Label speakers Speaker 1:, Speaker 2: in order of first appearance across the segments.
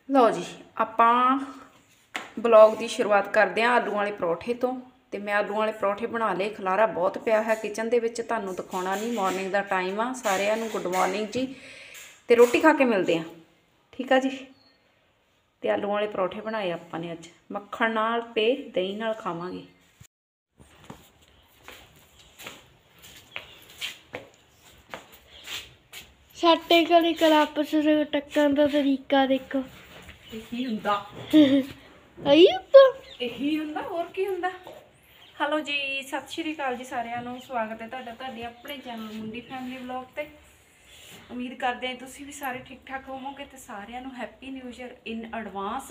Speaker 1: ਲਓ ਜੀ ਆਪਾਂ ਬਲੌਗ ਦੀ ਸ਼ੁਰੂਆਤ ਕਰਦੇ ਹਾਂ ਆਲੂ ਵਾਲੇ ਪਰੌਠੇ ਤੋਂ। ਤੇ ਮੈਂ ਆਲੂ ਵਾਲੇ ਪਰੌਠੇ ਬਣਾ ਲਏ। ਖਲਾਰਾ ਬਹੁਤ ਪਿਆ ਹੈ ਕਿਚਨ ਦੇ ਵਿੱਚ, ਤੁਹਾਨੂੰ ਦਿਖਾਉਣਾ ਨਹੀਂ। ਮਾਰਨਿੰਗ ਦਾ ਟਾਈਮ ਆ। ਸਾਰਿਆਂ ਨੂੰ ਗੁੱਡ ਮਾਰਨਿੰਗ ਜੀ। ਤੇ ਰੋਟੀ ਖਾ ਕੇ ਮਿਲਦੇ ਹਾਂ, ਠੀਕ ਆ ਜੀ। ਤੇ ਆਲੂ ਵਾਲੇ ਪਰੌਠੇ ਬਣਾਏ ਆਪਾਂ ਨੇ ਅੱਜ, ਮੱਖਣ ਨਾਲ ਤੇ ਦਹੀਂ ਨਾਲ ਖਾਵਾਂਗੇ।
Speaker 2: ਸਾਡੇ ਘਰੇ ਕਲਾਪਸ ਟੱਕਣ ਦਾ ਤਰੀਕਾ ਦੇਖੋ।
Speaker 1: ਇਹੀ ਹੁੰਦਾ ਇਹੀ ਹੁੰਦਾ, ਹੋਰ ਕੀ ਹੁੰਦਾ। ਹੈਲੋ ਜੀ, ਸਤਿ ਸ਼੍ਰੀ ਅਕਾਲ ਜੀ ਸਾਰਿਆਂ ਨੂੰ। ਸਵਾਗਤ ਹੈ ਤੁਹਾਡੇ ਆਪਣੇ ਚੈਨਲ ਮੁੰਡੀ ਫੈਮਿਲੀ ਵਲੌਗ ਤੇ। ਉਮੀਦ ਕਰਦੇ ਹਾਂ ਤੁਸੀਂ ਵੀ ਸਾਰੇ ਠੀਕ ਠਾਕ ਹੋਵੋਗੇ। ਤੇ ਸਾਰਿਆਂ ਨੂੰ happy new year in advance.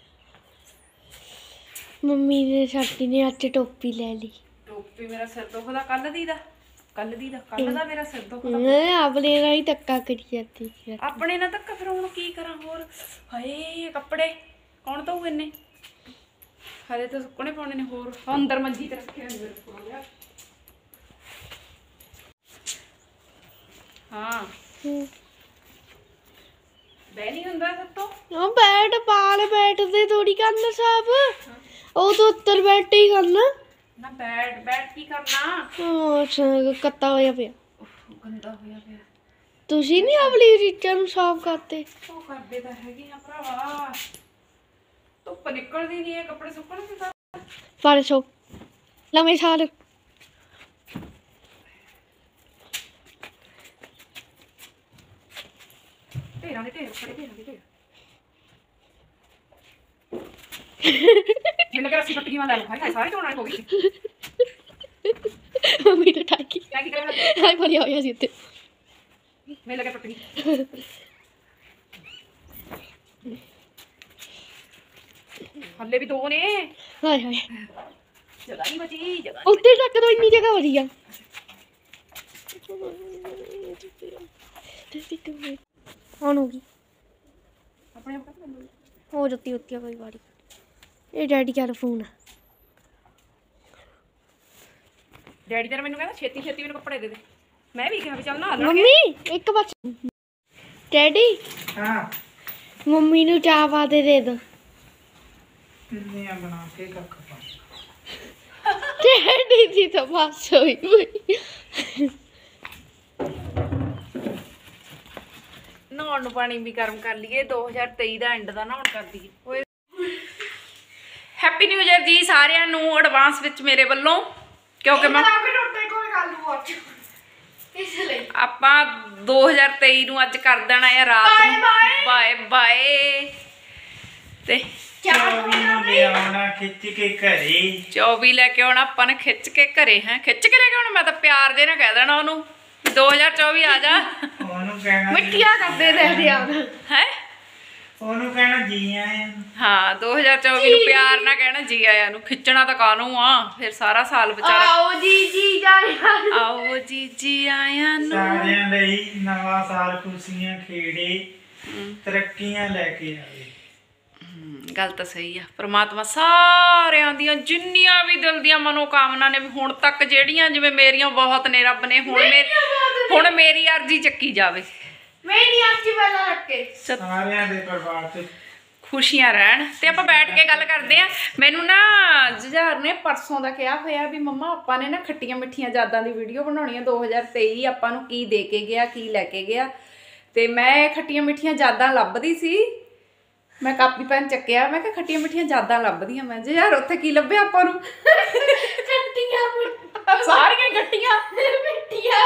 Speaker 2: Mummy ਨੇ ਸਾਡੀ ਨੇ ਅੱਜ ਟੋਪੀ ਲੈ ਲਈ।
Speaker 1: ਟੋਪੀ ਮੇਰਾ ਸਿਰ ਦੁਖਦਾ ਕੱਲ ਦਾ ਮੇਰਾ ਸਿਰ ਦੁਖਦਾ।
Speaker 2: ਆਪਣੇ ਨਾਲ ਹੀ ਧੱਕਾ ਕਰੀ ਜਾਂਦੀ ਸੀ।
Speaker 1: ਆਪਣੇ ਨਾਲ ਧੱਕਾ, ਫਿਰ ਹੁਣ ਕੀ ਕਰਾਂ ਹੋਰ। ਹਾਏ ਕੱਪੜੇ ਕੌਣ ਧੋਊ ਇੰਨੇ, ਹਲੇ ਤਾਂ ਸੁੱਕਣੇ ਪਾਉਣੇ ਨੇ। ਹੋਰ ਅੰਦਰ ਮੰਜੀ ਤੇ ਰੱਖਿਆ ਹਾਂ ਬਹਿ ਨਹੀਂ ਹੁੰਦਾ ਸਭ ਤੋਂ।
Speaker 2: ਉਹ ਬੈਠ ਪਾਲ ਬੈਠਦੇ ਥੋੜੀ ਕਰਨਾ ਸਾਹਿਬ, ਉਹ ਤਾਂ ਉੱਤਰ ਬੈਠ ਹੀ ਕਰਨਾ
Speaker 1: ਨਾ। ਬੈਠ ਕੀ ਕਰਨਾ।
Speaker 2: ਕੱਤਾ ਹੋਇਆ ਪਿਆ,
Speaker 1: ਗੰਦਾ ਹੋਇਆ ਪਿਆ।
Speaker 2: ਤੁਸੀਂ ਨੀ ਆਪਣੀ ਰੀਚਾਂ ਨੂੰ ਸਾਫ਼ ਕਰਦੇ?
Speaker 1: ਉਹ ਕਰਦੇ ਤਾਂ ਹੈਗੇ ਆ ਭਰਾਵਾ, ਧੁੱਪ ਨਿਕਲਦੀ ਨਹੀਂ ਹੈ, ਕੱਪੜੇ ਸੁੱਕਣ ਕਿੱਦਾਂ।
Speaker 2: ਪਰਸੋਂ ਲੰਮੇ ਸਾਲ
Speaker 1: ਢੇਰਾਂ ਦੇ ਢੇਰ ਖੜੇ, ਢੇਰਾਂ ਦੇ ਢੇਰ। ਮੈਨੂੰ ਕਿਹਾ ਅਸੀਂ ਪੱਟੀਆਂ ਲੈ ਲਓ। ਹਾਏ ਸਾਰੇ ਧੋਣ ਵਾਲੇ ਹੋ ਗਏ।
Speaker 2: ਮੰਮੀ ਨੇ ਠਾਕੀ
Speaker 1: ਕੀ ਕਰਾਂ
Speaker 2: ਹਾਏ ਭਰਿਆ ਹੋਇਆ ਸੀ ਉੱਤੇ।
Speaker 1: ਮੈਨੂੰ ਲੱਗਾ ਪੱਟੀ ਹੱਲੇ ਵੀ ਦੋ ਨੇ।
Speaker 2: ਹਾਏ ਹਾਏ
Speaker 1: ਜਗ੍ਹਾ ਨਹੀਂ ਬਚੀ, ਜਗ੍ਹਾ
Speaker 2: ਉੱਤੇ ਤੱਕ ਤਾਂ ਇੰਨੀ ਜਗ੍ਹਾ ਵਧੀਆ। ਹੁਣ ਹੋ ਗਈ
Speaker 1: ਆਪਣੇ ਆਪ
Speaker 2: ਹੋ ਜੱਤੀ ਉੱਤੀ ਕੋਈ ਵਾਰੀ। ਇਹ ਡੈਡੀ ਦਾ ਫੋਨ ਆ।
Speaker 1: ਡੈਡੀ ਤੇਰਾ ਮੈਨੂੰ ਕਹਿੰਦਾ ਛੇਤੀ ਛੇਤੀ ਮੈਨੂੰ ਕੱਪੜੇ ਦੇ ਦੇ। ਮੈਂ ਵੀ ਕਿਹਾ ਵੀ ਚੱਲ ਨਾ
Speaker 2: ਮੰਮੀ ਇੱਕ ਬਸ। ਡੈਡੀ
Speaker 3: ਹਾਂ
Speaker 2: ਮੰਮੀ ਨੂੰ ਚਾਹ ਪਾ ਦੇ ਦੋ।
Speaker 3: ਕਿੰਨੀਆਂ ਬਣਾ ਕੇ ਕੱਖ ਪਾ।
Speaker 2: ਡੈਡੀ ਦੀ ਤਾਂ ਬਸ ਹੋਈ
Speaker 1: ਨਹਾਉਣ ਨੂੰ ਪਾਣੀ ਵੀ ਗਰਮ ਕਰ ਲਈਏ। 2023 ਦਾ ਐਂਡ ਦਾ ਨਹਾਉਣ ਕਰ ਦਈਏ। ਹੈਪੀ ਨਿਊ ਈਅਰ ਜੀ ਸਾਰਿਆਂ ਨੂੰ ਐਡਵਾਂਸ ਵਿੱਚ ਮੇਰੇ ਵੱਲੋਂ। ਕਿਉਂਕਿ ਮੈਂ ਆਪਾਂ 2023 ਨੂੰ ਅੱਜ ਕਰ ਦੇਣਾ ਹੈ ਰਾਤ ਨੂੰ ਬਾਏ ਬਾਏ। ਤੇ
Speaker 3: 24 ਆਉਣਾ ਖਿੱਚ ਕੇ ਘਰੇ।
Speaker 1: 24 ਲੈ ਕੇ ਆਉਣਾ ਆਪਾਂ ਨੇ ਖਿੱਚ ਕੇ ਘਰੇ। ਹੈ ਖਿੱਚ ਕੇ ਲੈ ਕੇ ਆਉਣਾ। ਮੈਂ ਤਾਂ ਪਿਆਰ ਦੇ ਨਾਲ ਕਹਿ ਦੇਣਾ ਉਹਨੂੰ 2024 ਆ ਜਾ।
Speaker 3: ਉਹਨੂੰ ਕਹਿਣਾ
Speaker 2: ਮਿੱਠੀਆਂ ਕਰਦੇ ਰਹਿੰਦੇ ਆ
Speaker 1: ਹੈ।
Speaker 3: ਉਹਨੂੰ ਕਹਿਣਾ ਜੀ ਆਇਆਂ ਨੂੰ।
Speaker 1: ਹਾਂ 2024 ਨੂੰ ਪਿਆਰ ਨਾਲ ਕਹਿਣਾ ਜੀ ਆਇਆਂ ਨੂੰ। ਖਿੱਚਣਾ ਤਾਂ ਕਾਹਨੂੰ ਆ, ਫਿਰ ਸਾਰਾ ਸਾਲ ਵਿਚਾਰਾ।
Speaker 2: ਆਓ ਜੀ ਜੀ
Speaker 1: ਆਓ ਜੀ ਜੀ ਆਇਆਂ ਨੂੰ।
Speaker 3: ਸਾਰਿਆਂ ਲਈ ਨਵਾਂ ਸਾਲ ਖੁਸ਼ੀਆਂ ਖੇੜੇ ਤਰੱਕੀਆਂ ਲੈ ਕੇ ਆਵੇ।
Speaker 1: ਗੱਲ ਤਾਂ ਸਹੀ ਆ। ਪ੍ਰਮਾਤਮਾ ਸਾਰਿਆਂ ਦੀਆਂ ਜਿੰਨੀਆਂ ਵੀ ਦਿਲ ਦੀਆਂ ਮਨੋਕਾਮਨਾ ਨੇ ਹੁਣ ਤੱਕ ਜਿਹੜੀਆਂ, ਜਿਵੇਂ ਮੇਰੀਆਂ ਬਹੁਤ ਨੇ, ਰੱਬ ਨੇ ਹੁਣ ਮੇਰੀ ਅਰਜ਼ੀ ਚੱਕੀ ਜਾਵੇ।
Speaker 3: ਸਾਰਿਆਂ ਦੇ ਪਰਿਵਾਰ ਤੇ
Speaker 1: ਖੁਸ਼ੀਆਂ ਰਹਿਣ। ਤੇ ਆਪਾਂ ਬੈਠ ਕੇ ਗੱਲ ਕਰਦੇ ਆ। ਮੈਨੂੰ ਨਾ ਜੁਝਾਰ ਨੇ ਪਰਸੋਂ ਦਾ ਕਿਹਾ ਹੋਇਆ ਵੀ ਮੰਮਾ ਆਪਾਂ ਨੇ ਨਾ ਖੱਟੀਆਂ ਮਿੱਠੀਆਂ ਯਾਦਾਂ ਦੀ ਵੀਡੀਓ ਬਣਾਉਣੀ ਆ। 2023 ਆਪਾਂ ਨੂੰ ਕੀ ਦੇ ਕੇ ਗਿਆ, ਕੀ ਲੈ ਕੇ ਗਿਆ। ਤੇ ਮੈਂ ਖੱਟੀਆਂ ਮਿੱਠੀਆਂ ਯਾਦਾਂ ਲੱਭਦੀ ਸੀ। ਮੈਂ ਕਾਪੀ ਪੈਨ ਚੱਕਿਆ, ਮੈਂ ਕਿਹਾ ਖੱਟੀਆਂ ਮਿੱਠੀਆਂ ਯਾਦਾਂ ਲੱਭਦੀਆਂ। ਮੈਂ ਯਾਰ ਉੱਥੇ ਕੀ ਲੱਭਿਆ ਆਪਾਂ ਨੂੰ। ਸਾਰੀਆਂ ਖੱਟੀਆਂ
Speaker 2: ਮਿੱਠੀਆਂ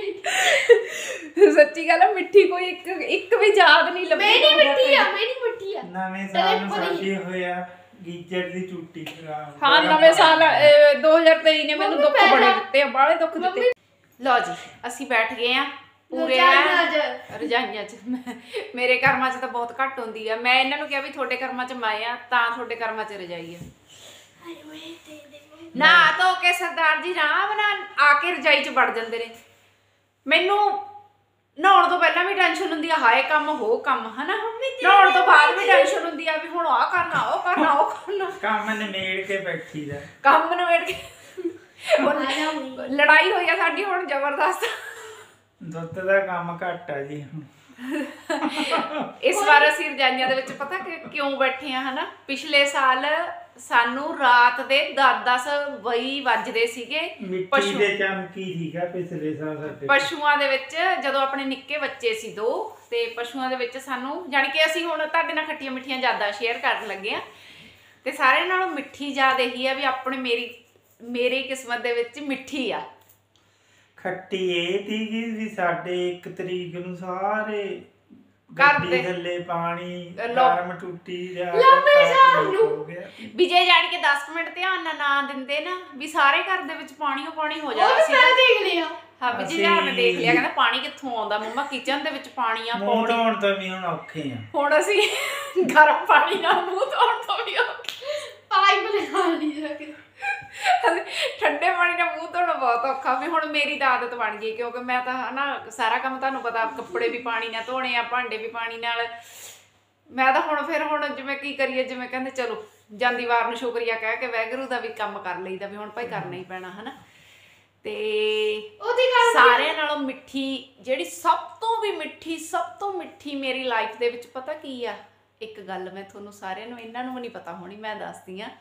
Speaker 1: ਸੱਚੀ ਗੱਲ ਆ। ਮਿੱਠੀ ਕੋਈ ਇੱਕ ਵੀ ਯਾਦ ਨਹੀਂ ਲੱਭੀ।
Speaker 3: ਨਵੇਂ ਸਾਲ ਨੂੰ ਸਾਡੀ ਹੋਇਆ ਗੀਜਰ ਦੀ ਟੂਟੀ ਖਰਾਬ।
Speaker 1: ਹਾਂ ਨਵੇਂ ਸਾਲ 2023 ਨੇ ਮੈਨੂੰ ਦੁੱਖ ਬੜੇ ਦਿੱਤੇ ਆ, ਬਾਹਲੇ ਦੁੱਖ ਦਿੱਤੇ। ਲਓ ਜੀ ਅਸੀਂ ਬੈਠ ਗਏ ਆ ਪੂਰੇ ਰਜਾਈਆਂ ਚ। ਮੇਰੇ ਕਰਮਾਂ ਚ ਤਾਂ ਬਹੁਤ ਘੱਟ ਹੁੰਦੀ ਆ। ਮੈਂ ਇਹਨਾਂ ਨੂੰ ਕਿਹਾ ਵੀ ਤੁਹਾਡੇ ਕਰਮਾਂ ਚ ਮੈਂ ਆ ਤਾਂ ਤੁਹਾਡੇ ਕਰਮਾਂ ਚ ਰਜਾਈ ਆ। ਨਾ ਧੋ ਕੇ ਸਰਦਾਰ ਜੀ ਆਰਾਮ ਨਾਲ ਆ ਕੇ ਰਜਾਈ ਚ ਵੜ ਜਾਂਦੇ ਨੇ। ਮੈਨੂੰ ਨਹਾਉਣ ਤੋਂ ਪਹਿਲਾਂ ਵੀ ਟੈਨਸ਼ਨ ਹੁੰਦੀ ਆ, ਹਾਏ ਕੰਮ ਹੋ ਕੰਮ, ਹਨਾ। ਨਹਾਉਣ ਤੋਂ ਬਾਅਦ ਵੀ ਟੈਨਸ਼ਨ ਹੁੰਦੀ ਆ ਵੀ ਹੁਣ ਆਹ ਕਰਨਾ, ਉਹ ਕਰਨਾ, ਉਹ ਕਰਨਾ।
Speaker 3: ਕੰਮ ਨਿਬੇੜ ਕੇ ਬੈਠੀ ਦਾ।
Speaker 1: ਕੰਮ ਨਿਬੇੜ ਕੇ ਲੜਾਈ ਹੋਈ ਆ ਸਾਡੀ ਹੁਣ ਜ਼ਬਰਦਸਤ।
Speaker 3: ਦੁੱਧ ਦਾ ਕੰਮ ਘੱਟ ਆ ਜੀ ਹੁਣ।
Speaker 1: ਇਸ ਵਾਰ ਅਸੀਂ ਰਜਾਈਆਂ ਦੇ ਵਿੱਚ ਪਤਾ ਕਿਉਂ ਬੈਠੇ ਆ ਹਨਾ। ਪਿਛਲੇ ਸਾਲ ਸਾਨੂੰ ਰਾਤ ਦੇ 10-10 ਵਜੇ ਵੱਜਦੇ ਸੀਗੇ
Speaker 3: ਮਿੱਟੀ ਦੇ ਚਮਕੀ ਸੀਗਾ ਪਿਛਲੇ ਸਾਲ ਸਾਡੇ
Speaker 1: ਪਸ਼ੂਆਂ ਦੇ ਵਿੱਚ, ਜਦੋਂ ਆਪਣੇ ਨਿੱਕੇ ਬੱਚੇ ਸੀ 2 ਤੇ ਪਸ਼ੂਆਂ ਦੇ ਵਿੱਚ ਸਾਨੂੰ ਜਾਣੀ ਕਿ ਅਸੀਂ ਹੁਣ ਤੁਹਾਡੇ ਨਾਲ ਖੱਟੀਆਂ ਮਿੱਠੀਆਂ ਯਾਦਾਂ ਸ਼ੇਅਰ ਕਰਨ ਲੱਗੇ ਆ। ਤੇ ਸਾਰਿਆਂ ਨਾਲੋਂ ਮਿੱਠੀ ਯਾਦ ਇਹੀ ਆ ਵੀ ਆਪਣੇ ਮੇਰੀ ਕਿਸਮਤ ਦੇ ਵਿੱਚ ਮਿੱਠੀ ਆ।
Speaker 3: ਖੱਟੀ ਇਹ ਸੀਗੀ ਵੀ ਸਾਡੇ 1 ਤਰੀਕ ਨੂੰ ਸਾਰੇ
Speaker 1: ਘਰ
Speaker 3: ਗੱਡੀ
Speaker 1: ਦੇ
Speaker 3: ਥੱਲੇ ਪਾਣੀ ਗਰਮ ਟੁੱਟੀ ਜਾ
Speaker 1: ਵੀ ਜੇ ਜਾਣ ਕੇ 10 ਮਿੰਟ ਧਿਆਨ ਨਾਲ ਨਾ ਦਿੰਦੇ ਨਾ ਵੀ ਸਾਰੇ ਘਰ ਦੇ ਵਿੱਚ ਪਾਣੀ ਹੋ ਜਾਣਾ ਸੀ।
Speaker 2: ਮੈਂ ਦੇਖ ਲਿਆ।
Speaker 1: ਹਾਂ ਵੀ ਜੀ ਨੇ ਦੇਖ ਲਿਆ, ਕਹਿੰਦਾ ਪਾਣੀ ਕਿੱਥੋਂ ਆਉਂਦਾ ਮੰਮਾ, ਕਿਚਨ ਦੇ ਵਿੱਚ ਪਾਣੀ ਆ।
Speaker 3: ਮੂੰਹ ਧੋਣ ਤੋਂ ਵੀ ਹੁਣ ਔਖੇ ਆ।
Speaker 1: ਹੁਣ ਅਸੀਂ ਗਰਮ ਪਾਣੀ ਨਾਲ ਮੂੰਹ ਧੋਣ ਤੋਂ ਵੀ ਔਖੇ,
Speaker 2: ਪਾਈਪ ਲਗਾ ਲਈ ਜਾ ਕੇ।
Speaker 1: ਠੰਡੇ ਪਾਣੀ ਨਾਲ ਮੂੰਹ ਧੋਣਾ ਬਹੁਤ ਔਖਾ। ਵੀ ਹੁਣ ਮੇਰੀ ਤਾਂ ਆਦਤ ਬਣ ਗਈ ਕਿਉਂਕਿ ਮੈਂ ਤਾਂ ਹਨਾ ਸਾਰਾ ਕੰਮ ਤੁਹਾਨੂੰ ਪਤਾ, ਕੱਪੜੇ ਵੀ ਪਾਣੀ ਨਾਲ ਧੋਣੇ ਆ, ਭਾਂਡੇ ਵੀ ਪਾਣੀ ਨਾਲ। ਮੈਂ ਤਾਂ ਹੁਣ ਜਿਵੇਂ ਕੀ ਕਰੀਏ, ਜਿਵੇਂ ਕਹਿੰਦੇ ਚਲੋ ਜਾਂਦੀ ਵਾਰ ਨੂੰ ਸ਼ੁਕਰੀਆ ਕਹਿ ਕੇ ਵਾਹਿਗੁਰੂ ਦਾ ਵੀ ਕੰਮ ਕਰ ਲਈਦਾ ਵੀ ਹੁਣ ਭਾਈ ਕਰਨਾ ਹੀ ਪੈਣਾ ਹਨਾ। ਤੇ ਸਾਰਿਆਂ ਨਾਲੋਂ ਮਿੱਠੀ ਜਿਹੜੀ ਸਭ ਤੋਂ ਮਿੱਠੀ ਮੇਰੀ ਲਾਈਫ ਦੇ ਵਿੱਚ ਪਤਾ ਕੀ ਆ, ਇੱਕ ਗੱਲ ਮੈਂ ਤੁਹਾਨੂੰ ਸਾਰਿਆਂ ਨੂੰ, ਇਹਨਾਂ ਨੂੰ ਵੀ ਨਹੀਂ ਪਤਾ ਹੋਣੀ, ਮੈਂ ਦੱਸਦੀ ਆ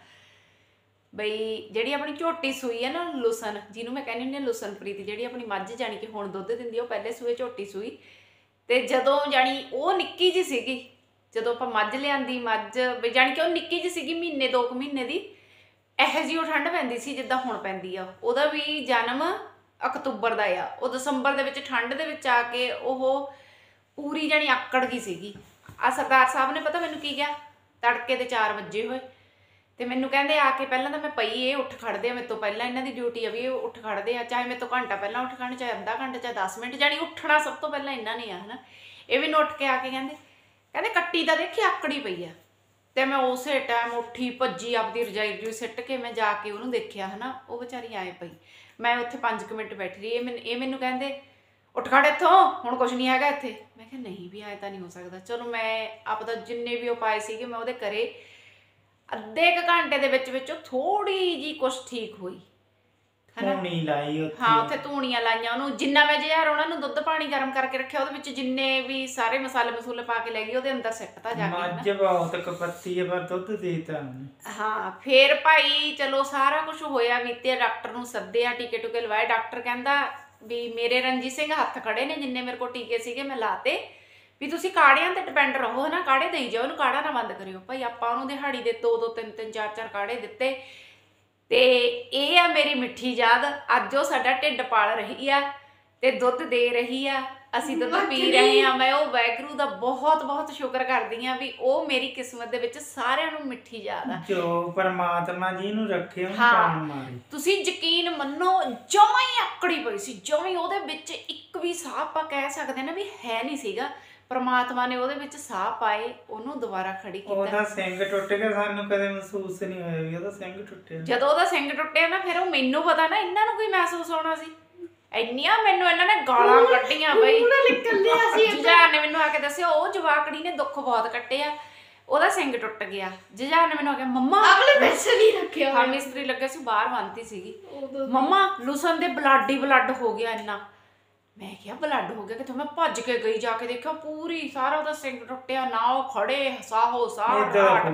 Speaker 1: ਬਈ ਜਿਹੜੀ ਆਪਣੀ ਝੋਟੀ ਸੂਈ ਹੈ ਨਾ ਲੁਸਨ, ਜਿਹਨੂੰ ਮੈਂ ਕਹਿੰਦੀ ਹੁੰਦੀ ਹਾਂ ਲੁਸਨਪ੍ਰੀਤ, ਜਿਹੜੀ ਆਪਣੀ ਮੱਝ ਜਾਣੀ ਕਿ ਹੁਣ ਦੁੱਧ ਦਿੰਦੀ, ਉਹ ਪਹਿਲੇ ਸੂਏ ਝੋਟੀ ਸੂਈ। ਤੇ ਜਦੋਂ ਜਾਣੀ ਉਹ ਨਿੱਕੀ ਜਿਹੀ ਸੀਗੀ, ਜਦੋਂ ਆਪਾਂ ਮੱਝ ਲਿਆਂਦੀ, ਮੱਝ ਵੀ ਜਾਣੀ ਕਿ ਉਹ ਨਿੱਕੀ ਜਿਹੀ ਸੀਗੀ, 1-2 ਮਹੀਨੇ ਦੀ, ਇਹੋ ਜਿਹੀ ਉਹ ਠੰਡ ਪੈਂਦੀ ਸੀ ਜਿੱਦਾਂ ਹੁਣ ਪੈਂਦੀ ਆ। ਉਹਦਾ ਵੀ ਜਨਮ ਅਕਤੂਬਰ ਦਾ ਆ। ਉਹ ਦਸੰਬਰ ਦੇ ਵਿੱਚ ਠੰਡ ਦੇ ਵਿੱਚ ਆ ਕੇ ਉਹ ਪੂਰੀ ਜਾਣੀ ਆਕੜ ਗਈ ਸੀਗੀ। ਆ ਸਰਦਾਰ ਸਾਹਿਬ ਨੇ ਪਤਾ ਮੈਨੂੰ ਕੀ ਕਿਹਾ, ਤੜਕੇ ਦੇ 4 ਵਜੇ ਹੋਏ ਤੇ ਮੈਨੂੰ ਕਹਿੰਦੇ ਆ ਕੇ ਪਹਿਲਾਂ ਤਾਂ ਮੈਂ ਪਈ, ਇਹ ਉੱਠ ਖੜਦੇ ਆ ਮੇਰੇ ਤੋਂ ਪਹਿਲਾਂ, ਇਹਨਾਂ ਦੀ ਡਿਊਟੀ ਆ ਵੀ ਇਹ ਉੱਠ ਖੜਦੇ ਆ, ਚਾਹੇ ਮੇਰੇ ਤੋਂ ਘੰਟਾ ਪਹਿਲਾਂ ਉੱਠ ਖੜਨ, ਚਾਹੇ ਅੱਧਾ ਘੰਟਾ, ਚਾਹੇ 10 ਮਿੰਟ, ਜਾਣੀ ਉੱਠਣਾ ਸਭ ਤੋਂ ਪਹਿਲਾਂ ਇਹਨਾਂ ਨੇ ਆ ਹਨਾ। ਇਹ ਵੀ ਉੱਠ ਕੇ ਆ ਕੇ ਕਹਿੰਦੇ ਕੱਟੀ ਤਾਂ ਦੇਖੀ ਆਕੜੀ ਪਈ ਆ। ਤੇ ਮੈਂ ਉਸੇ ਟਾਈਮ ਉੱਠੀ ਭੱਜੀ, ਆਪਦੀ ਰਜਾਈ ਸਿੱਟ ਕੇ ਮੈਂ ਜਾ ਕੇ ਉਹਨੂੰ ਦੇਖਿਆ ਹਨਾ, ਉਹ ਵਿਚਾਰੀ ਆਏ ਪਈ। ਮੈਂ ਉੱਥੇ 5 ਮਿੰਟ ਬੈਠੀ ਰਹੀ। ਇਹ ਮੈਨੂੰ ਕਹਿੰਦੇ ਉੱਠ ਖੜ ਇੱਥੋਂ, ਹੁਣ ਕੁਛ ਨਹੀਂ ਹੈਗਾ ਇੱਥੇ। ਮੈਂ ਕਿਹਾ ਨਹੀਂ ਵੀ ਆਏ ਤਾਂ ਨਹੀਂ ਹੋ ਸਕਦਾ। ਚਲੋ ਮੈਂ ਆਪਦਾ ਜਿੰਨੇ ਵੀ ਉਪਾਅ ਸੀਗੇ ਮੈਂ ਉਹਦੇ ਕਰੇ। ਅੱਧੇ ਕੁ ਘੰਟੇ ਦੇ ਵਿੱਚ ਥੋੜੀ ਜੀ ਕੁਛ ਠੀਕ ਹੋਈ ਹਨਾ।
Speaker 3: ਧੂਣੀ ਲਾਈ ਉੱਥੇ,
Speaker 1: ਹਾਂ ਉੱਥੇ ਧੂਣੀਆਂ ਲਾਈਆਂ ਉਹਨੂੰ। ਜਿੰਨਾ ਮੈਂ ਜਹਿਰ ਉਹਨਾਂ ਨੂੰ ਦੁੱਧ ਪਾਣੀ ਗਰਮ ਕਰਕੇ ਰੱਖਿਆ, ਉਹਦੇ ਵਿੱਚ ਜਿੰਨੇ ਵੀ ਸਾਰੇ ਮਸਾਲੇ ਪਾ ਕੇ ਲੈ ਗਈ, ਉਹਦੇ ਅੰਦਰ ਸਿੱਟਤਾ ਜਾ ਕੇ।
Speaker 3: ਮੱਝ ਬਹੁਤ ਕਪੱਤੀ ਹੈ ਪਰ ਦੁੱਧ ਦੇਤਾ।
Speaker 1: ਹਾਂ ਫੇਰ ਭਾਈ ਚਲੋ ਸਾਰਾ ਕੁਝ ਹੋਇਆ ਵੀ ਤੇ ਡਾਕਟਰ ਨੂੰ ਸੱਦਿਆ, ਟੀਕੇ ਟੁਕੇ ਲਵਾਏ। ਡਾਕਟਰ ਕਹਿੰਦਾ ਵੀ ਮੇਰੇ ਰਣਜੀਤ ਸਿੰਘ ਹੱਥ ਖੜੇ ਨੇ, ਜਿੰਨੇ ਮੇਰੇ ਕੋਲ ਟੀਕੇ ਸੀਗੇ ਮੈਂ ਲਾਤੇ, ਵੀ ਤੁਸੀਂ ਕਾੜਿਆਂ ਤੇ ਡਿਪੈਂਡ ਰਹੋ ਹਨਾ, ਕਾੜੇ ਦੇਈ ਜਾਓ, ਉਹਨੂੰ ਕਾੜਾ ਨਾ ਬੰਦ ਕਰਿਓ। ਭਾਈ ਆਪਾਂ ਉਹਨੂੰ ਦਿਹਾੜੀ ਦੇ 2-2 3-3 4-4 ਕਾੜੇ ਦਿੱਤੇ। ਤੇ ਇਹ ਆ ਮੇਰੀ ਮਿੱਠੀ ਯਾਦ। ਅੱਜ ਉਹ ਸਾਡਾ ਢਿੱਡ ਪਾਲ ਰਹੀ ਆ ਤੇ ਦੁੱਧ ਦੇ ਰਹੀ ਆ, ਅਸੀਂ ਦੁੱਧ ਪੀ ਰਹੇ ਆ। ਮੈਂ ਉਹ ਵਾਹਿਗੁਰੂ ਦਾ ਬਹੁਤ ਸ਼ੁਕਰ ਕਰਦੀ ਆ ਵੀ ਉਹ ਮੇਰੀ ਕਿਸਮਤ ਦੇ ਵਿੱਚ ਸਾਰਿਆਂ ਨੂੰ ਮਿੱਠੀ ਯਾਦ ਆ, ਜੋ
Speaker 3: ਪਰਮਾਤਮਾ ਜੀ ਨੂੰ ਰੱਖੇ ਉਹਨੂੰ ਪਾਣ ਮਾਰੇ।
Speaker 1: ਤੁਸੀਂ ਯਕੀਨ ਮੰਨੋ ਜਮਾਂ ਹੀ ਆਕੜੀ ਪਈ ਸੀ, ਜਮਾਂ ਹੀ ਉਹਦੇ ਵਿੱਚ ਇੱਕ ਵੀ ਸਾਹ ਆਪਾਂ ਕਹਿ ਸਕਦੇ ਨਾ ਵੀ ਹੈ ਨਹੀਂ ਸੀਗਾ। ਪਰਮਾਤਮਾ ਨੇ ਉਹਦੇ ਵਿੱਚ ਸਾਹ ਪਾਏ, ਉਹਨੂੰ ਦੁਬਾਰਾ ਖੜੀ ਕੀਤਾ।
Speaker 3: ਉਹਦਾ ਸਿੰਘ ਟੁੱਟ ਗਿਆ, ਸਾਨੂੰ ਕਦੇ ਮਹਿਸੂਸ ਨਹੀਂ ਹੋਇਆ ਵੀ ਉਹਦਾ ਸਿੰਘ ਟੁੱਟਿਆ।
Speaker 1: ਜਦੋਂ ਉਹਦਾ ਸਿੰਘ ਟੁੱਟਿਆ ਨਾ ਫਿਰ ਉਹ ਮੈਨੂੰ ਪਤਾ ਨਾ ਇਹਨਾਂ ਨੂੰ ਕੋਈ ਮਹਿਸੂਸ ਹੋਣਾ ਸੀ। ਇੰਨੀਆਂ ਮੈਨੂੰ ਇਹਨਾਂ ਨੇ ਗਾਲਾਂ ਕੱਢੀਆਂ ਬਈ। ਜੁਝਾਰ ਨੇ ਮੈਨੂੰ ਆ ਕੇ ਦੱਸਿਆ ਉਹ ਜਵਾਕੜੀ ਨੇ ਦੁੱਖ ਬਹੁਤ ਕੱਟਿਆ, ਉਹਦਾ ਸਿੰਘ ਟੁੱਟ ਗਿਆ। ਜੁਝਾਰ ਨੇ ਮੈਨੂੰ ਆ ਕੇ ਮੰਮਾ ਹਾਂ ਮਿਸਤਰੀ ਲੱਗੇ ਸੀ ਬਾਹਰ ਬੰਨਤੀ ਸੀਗੀ, ਮੰਮਾ ਲੁਸਨ ਦੇ ਬਲੱਡ ਹੋ ਗਿਆ ਇੰਨਾ। ਮੈਂ ਕਿਹਾ ਬਲੱਡ ਹੋ ਗਿਆ ਕਿੱਥੋਂ? ਮੈਂ ਭੱਜ ਕੇ ਗਈ, ਜਾ ਕੇ ਦੇਖਿਆ ਪੂਰੀ ਸਾਰਾ ਉਹਦਾ ਸਿੰਘ ਟੁੱਟਿਆ। ਨਾ ਉਹ ਖੜੇ ਸਾਹੋ ਸਾਹ ਰਾਟ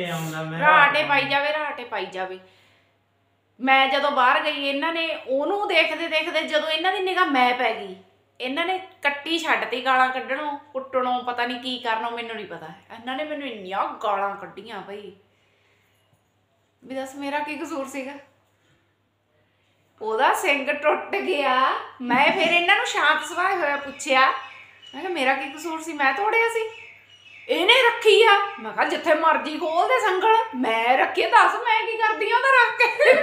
Speaker 1: ਪਾਈ ਜਾਵੇ। ਮੈਂ ਜਦੋਂ ਬਾਹਰ ਗਈ ਇਹਨਾਂ ਨੇ ਉਹਨੂੰ ਦੇਖਦੇ ਜਦੋਂ ਇਹਨਾਂ ਦੀ ਨਿਗਾਹ ਮੈਂ ਪੈ ਗਈ, ਇਹਨਾਂ ਨੇ ਕੱਟੀ ਛੱਡਤੀ ਗਾਲਾਂ ਕੱਢਣੋਂ ਕੁੱਟਣੋਂ, ਪਤਾ ਨਹੀਂ ਕੀ ਕਰਨੋਂ ਮੈਨੂੰ ਨਹੀਂ ਪਤਾ। ਇਹਨਾਂ ਨੇ ਮੈਨੂੰ ਇੰਨੀਆਂ ਗਾਲਾਂ ਕੱਢੀਆਂ ਬਈ ਵੀ ਦੱਸ ਮੇਰਾ ਕੀ ਕਸੂਰ ਸੀਗਾ। ਉਹਦਾ ਸਿੰਘ ਟੁੱਟ ਗਿਆ। ਮੈਂ ਫਿਰ ਇਹਨਾਂ ਨੂੰ ਸ਼ਾਂਤ ਸੁਭਾਅ ਹੋਇਆ ਪੁੱਛਿਆ, ਮੈਂ ਕਿਹਾ ਮੇਰਾ ਕੀ ਕਸੂਰ ਸੀ, ਮੈਂ ਤੋੜਿਆ ਸੀ? ਇਹਨੇ ਰੱਖੀ ਆ। ਮੈਂ ਕਿਹਾ ਜਿੱਥੇ ਮਰਜੀ ਖੋਲਦੇ ਸੰਗਲ, ਮੈਂ ਰੱਖੀ। ਦੱਸ ਮੈਂ ਕੀ ਕਰਦੀ ਆ ਉਹਦਾ ਰੱਖ ਕੇ?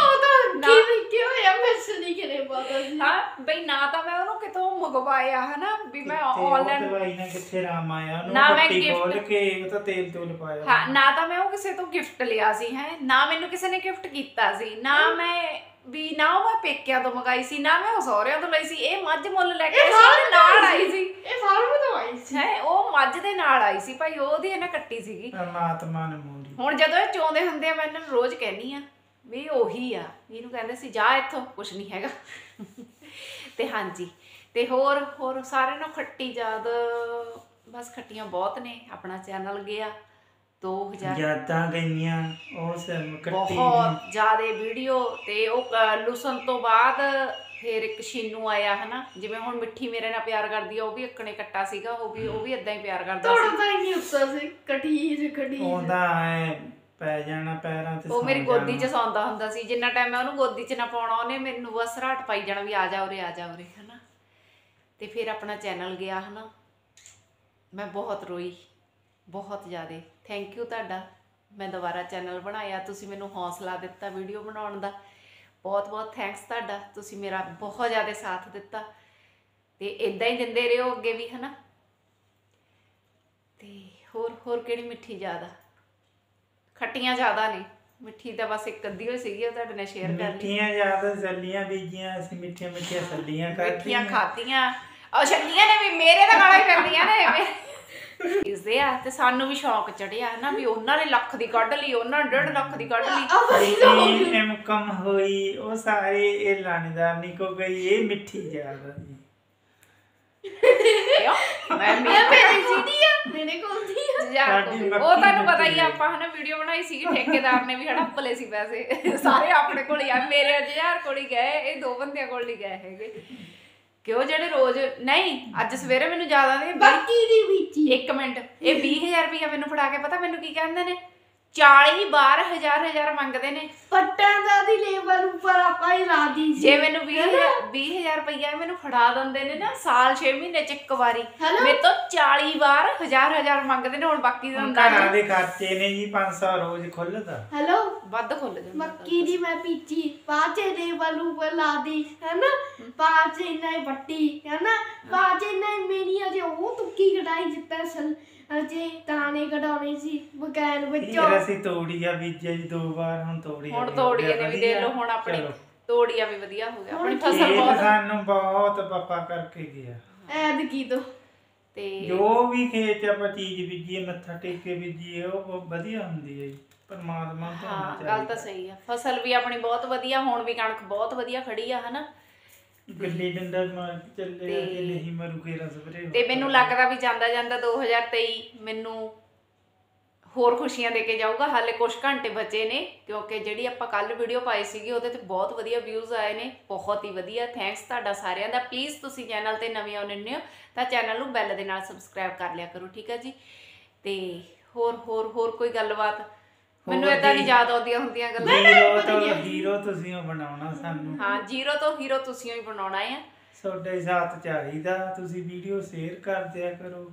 Speaker 1: ਹਾਂ ਬਈ ਨਾ ਤਾਂ ਮੈਂ ਉਹਨੂੰ ਕਿਤੋਂ ਮੰਗਵਾਇਆ ਹਨਾ ਵੀ ਮੈਂ ਆਨਲਾਈਨ
Speaker 3: ਦਵਾਈ ਨਾਲ ਕਿੱਥੇ ਰਾਮ ਆਇਆ ਉਹਨੂੰ, ਨਾ ਮੈਂ ਖੋਲ ਕੇ ਉਹ ਤਾਂ ਤੇਲ ਤੂਲ ਪਾਇਆ।
Speaker 1: ਹਾਂ ਨਾ ਤਾਂ ਮੈਂ ਉਹ ਕਿਸੇ ਤੋਂ ਗਿਫਟ ਲਿਆ ਸੀ ਹੈ, ਨਾ ਮੈਨੂੰ ਕਿਸੇ ਨੇ ਗਿਫਟ ਕੀਤਾ ਸੀ, ਨਾ ਮੈਂ ਵੀ ਨਾ ਉਹ ਮੈਂ ਪੇਕਿਆਂ ਤੋਂ ਮੰਗਾਈ ਸੀ, ਨਾ ਮੈਂ ਉਹ ਸਹੁਰਿਆਂ ਤੋਂ ਲਈ ਸੀ। ਇਹ ਮੱਝ ਮੁੱਲ ਲੈ ਕੇ ਨਾਲ ਆਈ ਸੀ,
Speaker 2: ਇਹ ਫਾਰਮ ਤੋਂ ਆਈ ਸੀ
Speaker 1: ਹੈ, ਉਹ ਮੱਝ ਦੇ ਨਾਲ ਆਈ ਸੀ ਭਾਈ, ਉਹਦੀ ਇਹਨੇ ਕੱਟੀ ਸੀਗੀ
Speaker 3: ਪਰਮਾਤਮਾ ਨੇ ਮੋੜੀ।
Speaker 1: ਹੁਣ ਜਦੋਂ ਇਹ ਚੋਂਦੇ ਹੁੰਦੇ ਆ ਮੈਂ ਇਹਨਾਂ ਨੂੰ ਰੋਜ਼ ਕਹਿੰਦੀ ਆ ਵੀ ਉਹੀ ਆ, ਇਹਨੂੰ ਕਹਿੰਦੇ ਸੀ ਜਾ ਇੱਥੋਂ ਕੁਛ ਨਹੀਂ ਹੈਗਾ। ਤੇ ਹਾਂਜੀ ਤੇ ਹੋਰ ਸਾਰਿਆਂ ਨੂੰ ਖੱਟੀ ਯਾਦ, ਬਸ ਖੱਟੀਆਂ ਬਹੁਤ ਨੇ। ਆਪਣਾ ਚੈਨਲ ਗਿਆ 2000
Speaker 3: ਯਾਦਾਂ ਗਈਆਂ ਉਸ ਕੱਟੀ
Speaker 1: ਬਹੁਤ ਜ਼ਿਆਦਾ ਵੀਡੀਓ। ਤੇ ਉਹ ਲੁਸਨ ਤੋਂ ਬਾਅਦ ਫਿਰ ਇੱਕ ਸ਼ੀਨੂ ਆਇਆ ਹਨਾ, ਜਿਵੇਂ ਹੁਣ ਮਿੱਠੀ ਮੇਰੇ ਨਾਲ ਪਿਆਰ ਕਰਦੀ ਆ, ਉਹ ਵੀ ਇੱਕਣੇ ਕੱਟਾ ਸੀਗਾ, ਉਹ ਵੀ ਇਦਾਂ ਹੀ ਪਿਆਰ ਕਰਦਾ ਸੀ।
Speaker 2: ਤਾਂ ਹੀ ਉੱਤਾ ਸੀ ਕਠੀਰ
Speaker 3: ਉਹਦਾ ਐ ਪੈ ਜਾਣਾ ਪੈਰਾਂ ਤੇ,
Speaker 1: ਉਹ ਮੇਰੀ ਗੋਦੀ 'ਚ ਸੌਂਦਾ ਹੁੰਦਾ ਸੀ। ਜਿੰਨਾ ਟਾਈਮ ਮੈਂ ਉਹਨੂੰ ਗੋਦੀ 'ਚ ਨਾ ਪਾਉਣਾ, ਉਹਨੇ ਮੈਨੂੰ ਬਸ ਰਾਟ ਪਾਈ ਜਾਣਾ ਵੀ ਆ ਜਾ ਉਰੇ ਹਨਾ। ਤੇ ਫਿਰ ਆਪਣਾ ਚੈਨਲ ਗਿਆ ਹਨਾ, ਮੈਂ ਬਹੁਤ ਰੋਈ, ਬਹੁਤ ਜ਼ਿਆਦਾ। ਥੈਂਕ ਯੂ ਤੁਹਾਡਾ, ਮੈਂ ਦੁਬਾਰਾ ਚੈਨਲ ਬਣਾਇਆ, ਤੁਸੀਂ ਮੈਨੂੰ ਹੌਸਲਾ ਦਿੱਤਾ ਵੀਡੀਓ ਬਣਾਉਣ ਦਾ, ਬਹੁਤ ਬਹੁਤ ਥੈਂਕਸ ਤੁਹਾਡਾ। ਤੁਸੀਂ ਮੇਰਾ ਬਹੁਤ ਜ਼ਿਆਦਾ ਸਾਥ ਦਿੱਤਾ ਤੇ ਇਦਾਂ ਹੀ ਦਿੰਦੇ ਰਹੋ ਅੱਗੇ ਵੀ ਹਨਾ। ਤੇ ਹੋਰ ਕਿਹੜੀ ਮਿੱਠੀ ਯਾਦ ਆ? ਖੱਟੀਆਂ ਜ਼ਿਆਦਾ ਨੇ, ਮਿੱਠੀ ਤਾਂ ਬਸ ਇੱਕ ਅੱਧੀ ਹੋਈ ਸੀਗੀ, ਉਹ ਤੁਹਾਡੇ ਨਾਲ ਸ਼ੇਅਰ ਕਰ ਲਈ।
Speaker 3: ਮਿੱਠੀਆਂ ਜ਼ਿਆਦਾ ਸੱਲੀਆਂ ਬੀਜੀਆਂ ਅਸੀਂ, ਮਿੱਠੀਆਂ ਸੱਲੀਆਂ
Speaker 1: ਮਿੱਠੀਆਂ ਖਾਧੀਆਂ। ਉਹ ਛੱਲੀਆਂ ਨੇ ਵੀ ਮੇਰੇ ਤਾਂ ਗਾਲਾਂ ਹੀ ਪੈਂਦੀਆਂ ਨੇ ਇਸਦੇ ਆ। ਤੇ ਸਾਨੂੰ ਵੀ ਸ਼ੌਕ ਚੜਿਆ ਹਨਾ ਵੀ ਉਹਨਾਂ ਨੇ ਲੱਖ ਦੀ ਕੱਢ ਲਈ, ਉਹਨਾਂ ਨੇ 1.5 ਲੱਖ ਦੀ ਕੱਢ ਲਈ।
Speaker 3: ਇਨਕਮ ਹੋਈ, ਉਹ ਸਾਰੇ ਇਹ ਲਾਣੇਦਾਰ ਨਹੀਂ ਕੋ ਗਈ, ਇਹ ਮਿੱਠੀ ਜ਼ਿਆਦਾ ਜੀ।
Speaker 1: ਕਿਉਂ ਮੈਂ
Speaker 2: ਮੇਰੀ ਸੀਡੀ ਆ, ਮੇਰੇ ਕੋਲ ਦੀ ਆ।
Speaker 1: ਉਹ ਤੁਹਾਨੂੰ ਪਤਾ ਹੀ, ਆਪਾਂ ਹਨਾ ਵੀਡੀਓ ਬਣਾਈ ਸੀਗੀ, ਠੇਕੇਦਾਰ ਨੇ ਵੀ ਹੜੱਪ ਲਏ ਸੀ ਪੈਸੇ ਸਾਰੇ ਆਪਣੇ ਕੋਲ ਹੀ ਆ। ਮੇਰੇ 1000 ਕੋਲ ਹੀ ਗਏ, ਇਹ 2 ਬੰਦਿਆਂ ਕੋਲ ਨਹੀਂ ਗਏ ਹੈਗੇ। ਕਿ ਉਹ ਜਿਹੜੇ ਰੋਜ਼ ਨਹੀਂ, ਅੱਜ ਸਵੇਰੇ ਮੈਨੂੰ ਯਾਦ ਆਉਂਦੀ
Speaker 2: ਬਾਕੀ ਦੀ ਵਿੱਚ
Speaker 1: 1 ਮਿੰਟ, ਇਹ 20000 ਰੁਪਇਆ ਮੈਨੂੰ ਫੜਾ ਕੇ ਪਤਾ ਮੈਨੂੰ ਕੀ ਕਹਿੰਦੇ ਨੇ? 40 ਬਾਰ ਹਜ਼ਾਰ ਮੰਗਦੇ ਨੇ।
Speaker 2: ਪੱਟਾਂ ਦਾ ਦੀ ਲੇਵਲ ਉੱਪਰ ਆਪਾਂ ਹੀ ਲਾ ਦੀ ਸੀ।
Speaker 1: ਜੇ ਮੈਨੂੰ 20000 ਰੁਪਇਆ ਮੈਨੂੰ ਫੜਾ ਦਿੰਦੇ ਨੇ ਨਾ ਸਾਲ 6 ਮਹੀਨੇ ਚ ਇੱਕ ਵਾਰੀ, ਮੇਰੇ ਤੋਂ 40 ਵਾਰ ਹਜ਼ਾਰ ਮੰਗਦੇ ਨੇ। ਹੁਣ ਬਾਕੀ ਦਾ
Speaker 3: ਘਰਾਂ ਦੇ ਖਰਚੇ ਨੇ ਜੀ, 500 ਰੋਜ਼ ਖੁੱਲਦਾ।
Speaker 2: ਹੈਲੋ,
Speaker 1: ਵੱਧ ਖੁੱਲ ਜਾਂਦਾ।
Speaker 2: ਮੱਕੀ ਦੀ ਮੈਂ ਪੀਚੀ ਪਾਚੇ ਲੇਵਲ ਉੱਪਰ ਲਾ ਦੀ ਹੈਨਾ, ਪਾਚੇ ਇੰਨਾ ਹੀ ਪੱਟੀ ਹੈਨਾ, ਪਾਚੇ ਇੰਨਾ ਮੇਰੀਆਂ ਜੇ ਉਹ ਤੁੱਕੀ ਕਢਾਈ ਜਿੱਤਾ ਅਜੇ ਦਾਣੇ ਕਢਾਉਣੇ ਸੀ ਬਗੈਰ ਵਿੱਚੋਂ।
Speaker 3: ਫਿਰ ਅਸੀਂ ਤੋੜੀਆ ਬੀਜਿਆ ਜੀ 2 ਵਾਰ, ਹੁਣ ਤੋੜੀਆ
Speaker 1: ਨੇ ਵੀ ਦੇਖ ਲਓ, ਹੁਣ ਆਪਣੀ ਤੋੜੀਆ ਵੀ ਵਧੀਆ ਹੋ ਗਿਆ, ਆਪਣੀ ਫਸਲ
Speaker 3: ਬਹੁਤ ਸਾਨੂੰ ਬਹੁਤ ਪਾਪਾ ਕਰਕੇ ਗਿਆ
Speaker 2: ਐਤਕੀ ਤੋਂ।
Speaker 1: ਤੇ
Speaker 3: ਜੋ ਵੀ ਖੇਤ ਆਪਾਂ ਚੀਜ਼ ਬੀਜੀਏ, ਮੱਥਾ ਟੇਕ ਕੇ ਬੀਜੀਏ, ਉਹ ਵਧੀਆ ਹੁੰਦੀ ਹੈ ਜੀ। ਪਰਮਾਤਮਾ ਤੋਂ
Speaker 1: ਹਾਂ, ਗੱਲ ਤਾਂ ਸਹੀ ਆ। ਫਸਲ ਵੀ ਆਪਣੀ ਬਹੁਤ ਵਧੀਆ, ਹੁਣ ਵੀ ਕਣਕ ਬਹੁਤ ਵਧੀਆ ਖੜੀ ਆ ਹਨਾ।
Speaker 3: ਗੱਲੀ ਡੰਡਾ ਮਾਰ ਕੇ ਚੱਲੇ ਆ ਕਿ ਨਹੀਂ ਮਰੂ ਕੇ ਰਸਪਰੇ।
Speaker 1: ਤੇ ਮੈਨੂੰ ਲੱਗਦਾ ਵੀ ਜਾਂਦਾ 2023 ਮੈਨੂੰ ਹੋਰ ਖੁਸ਼ੀਆਂ ਦੇ ਕੇ ਜਾਊਗਾ। ਹਾਲੇ ਕੁਝ ਘੰਟੇ ਬਚੇ ਨੇ, ਕਿਉਂਕਿ ਜਿਹੜੀ ਆਪਾਂ ਕੱਲ ਵੀਡੀਓ ਪਾਈ ਸੀਗੀ ਉਹਦੇ ਤੇ ਬਹੁਤ ਵਧੀਆ ਵਿਊਜ਼ ਆਏ ਨੇ, ਬਹੁਤ ਹੀ ਵਧੀਆ। ਥੈਂਕਸ ਤੁਹਾਡਾ ਸਾਰਿਆਂ ਦਾ। ਪਲੀਜ਼ ਤੁਸੀਂ ਚੈਨਲ ਤੇ ਨਵੇਂ ਆਉਂਦੇ ਹੋ ਤਾਂ ਚੈਨਲ ਨੂੰ ਬੈਲ ਦੇ ਨਾਲ ਸਬਸਕ੍ਰਾਈਬ ਕਰ ਲਿਆ ਕਰੋ, ਠੀਕ ਹੈ ਜੀ। ਤੇ ਹੋਰ ਕੋਈ ਗੱਲਬਾਤ? ਮੈਨੂੰ ਏਦਾਂ ਨਹੀਂ ਯਾਦ ਆਉਂਦੀਆਂ ਹੁੰਦੀਆਂ ਗੱਲਾਂ।
Speaker 3: ਹੀਰੋ ਤੁਸੀਂ ਬਣਾਉਣਾ ਸਾਨੂੰ।
Speaker 1: ਹਾਂ, ਜ਼ੀਰੋ ਤੋਂ ਹੀਰੋ ਤੁਸੀਂ ਹੀ ਬਣਾਉਣਾ ਆ।
Speaker 3: ਤੁਹਾਡੇ ਸਾਥ ਚਾਹੀਦਾ, ਤੁਸੀਂ ਵੀਡੀਓ ਸ਼ੇਅਰ ਕਰ ਦਿਆ ਕਰੋ,